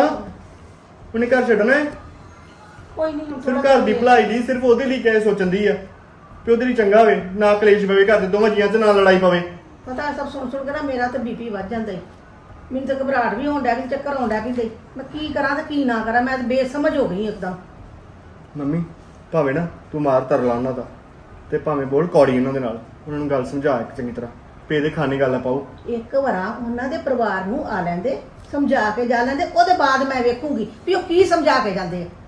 [SPEAKER 5] ਉਹਨੇ ਘਰ ਛੱਡਣਾ ਹੈ।
[SPEAKER 4] ਕੋਈ ਨਹੀਂ,
[SPEAKER 5] ਸਿਰਫ ਘਰ ਦੀ ਭਲਾਈ ਦੀ, ਸਿਰਫ ਉਹਦੇ ਲਈ ਕਿਹ ਸੋਚਣ ਦੀ ਆ ਕਿ ਉਹਦੇ ਲਈ ਚੰਗਾ ਹੋਵੇ, ਨਾ ਕਲੇਸ਼ ਪਵੇ ਘਰ ਦੇ ਦੋਵਾਂ ਜੀਆਂ 'ਚ, ਨਾ ਲੜਾਈ ਪਵੇ।
[SPEAKER 4] ਪਤਾ ਸਭ ਸੁਣ ਕੇ ਨਾ ਮੇਰਾ ਤਾਂ ਬੀਪੀ ਵੱਧ ਜਾਂਦਾ ਈ। ਮੈਨੂੰ ਤਾਂ ਘਬਰਾਹਟ ਵੀ ਹੋਣ ਡਿਆ ਵੀ ਚੱਕਰ ਆਉਣ ਡਿਆ ਵੀ ਮੈਂ ਕੀ ਕਰਾਂ ਤੇ ਕੀ ਨਾ ਕਰਾਂ। ਮੈਂ ਤਾਂ ਬੇਸਮਝ ਹੋ ਗਈ ਇੱਕਦਮ।
[SPEAKER 5] ਮੰਮੀ ਭਾਵੇਂ ਨਾ ਤੂੰ ਮਾਰ ਧਰ ਲਾ ਉਹਨਾਂ ਦਾ, ਤੇ ਭਾਵੇਂ ਬੋਲ ਕੌੜੀ ਉਹਨਾਂ ਦੇ ਨਾਲ, ਉਹਨਾਂ ਨੂੰ ਗੱਲ ਸਮਝਾ ਇੱਕ ਚੰਗੀ ਤਰ੍ਹਾਂ, ਪੇ ਦੇ ਖਾਣੇ ਗੱਲ ਨਾ ਪਾਓ।
[SPEAKER 4] ਇੱਕ ਵਾਰਾ ਉਹਨਾਂ ਦੇ ਪਰਿਵਾਰ ਨੂੰ ਆ ਲੈਂਦੇ, ਸਮਝਾ ਕੇ ਜਾ ਲੈਂਦੇ, ਉਹਦੇ ਬਾਅਦ ਮੈਂ ਵੇਖੂੰਗੀ ਵੀ ਉਹ ਕੀ ਸਮਝਾ ਕੇ ਜਾਂਦੇ ਆ।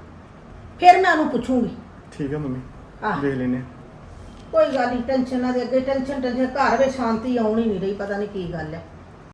[SPEAKER 4] ਫਿਰ ਮੈਂ ਉਹਨੂੰ ਪੁੱਛੂੰਗੀ।
[SPEAKER 5] ਠੀਕ ਹੈ ਮੰਮੀ,
[SPEAKER 4] ਆਹ।
[SPEAKER 5] ਦੇਖ ਲੈਨੇ।
[SPEAKER 4] ਕੋਈ ਗੱਲ ਨਹੀਂ, ਟੈਨਸ਼ਨ ਨਾ ਦੇ ਅੱਗੇ ਟੈਨਸ਼ਨ ਘਰ ਵਿੱਚ ਸ਼ਾਂਤੀ ਆਉਣੀ ਨਹੀਂ ਰਹੀ, ਪਤਾ ਨਹੀਂ ਕੀ ਗੱਲ ਹੈ।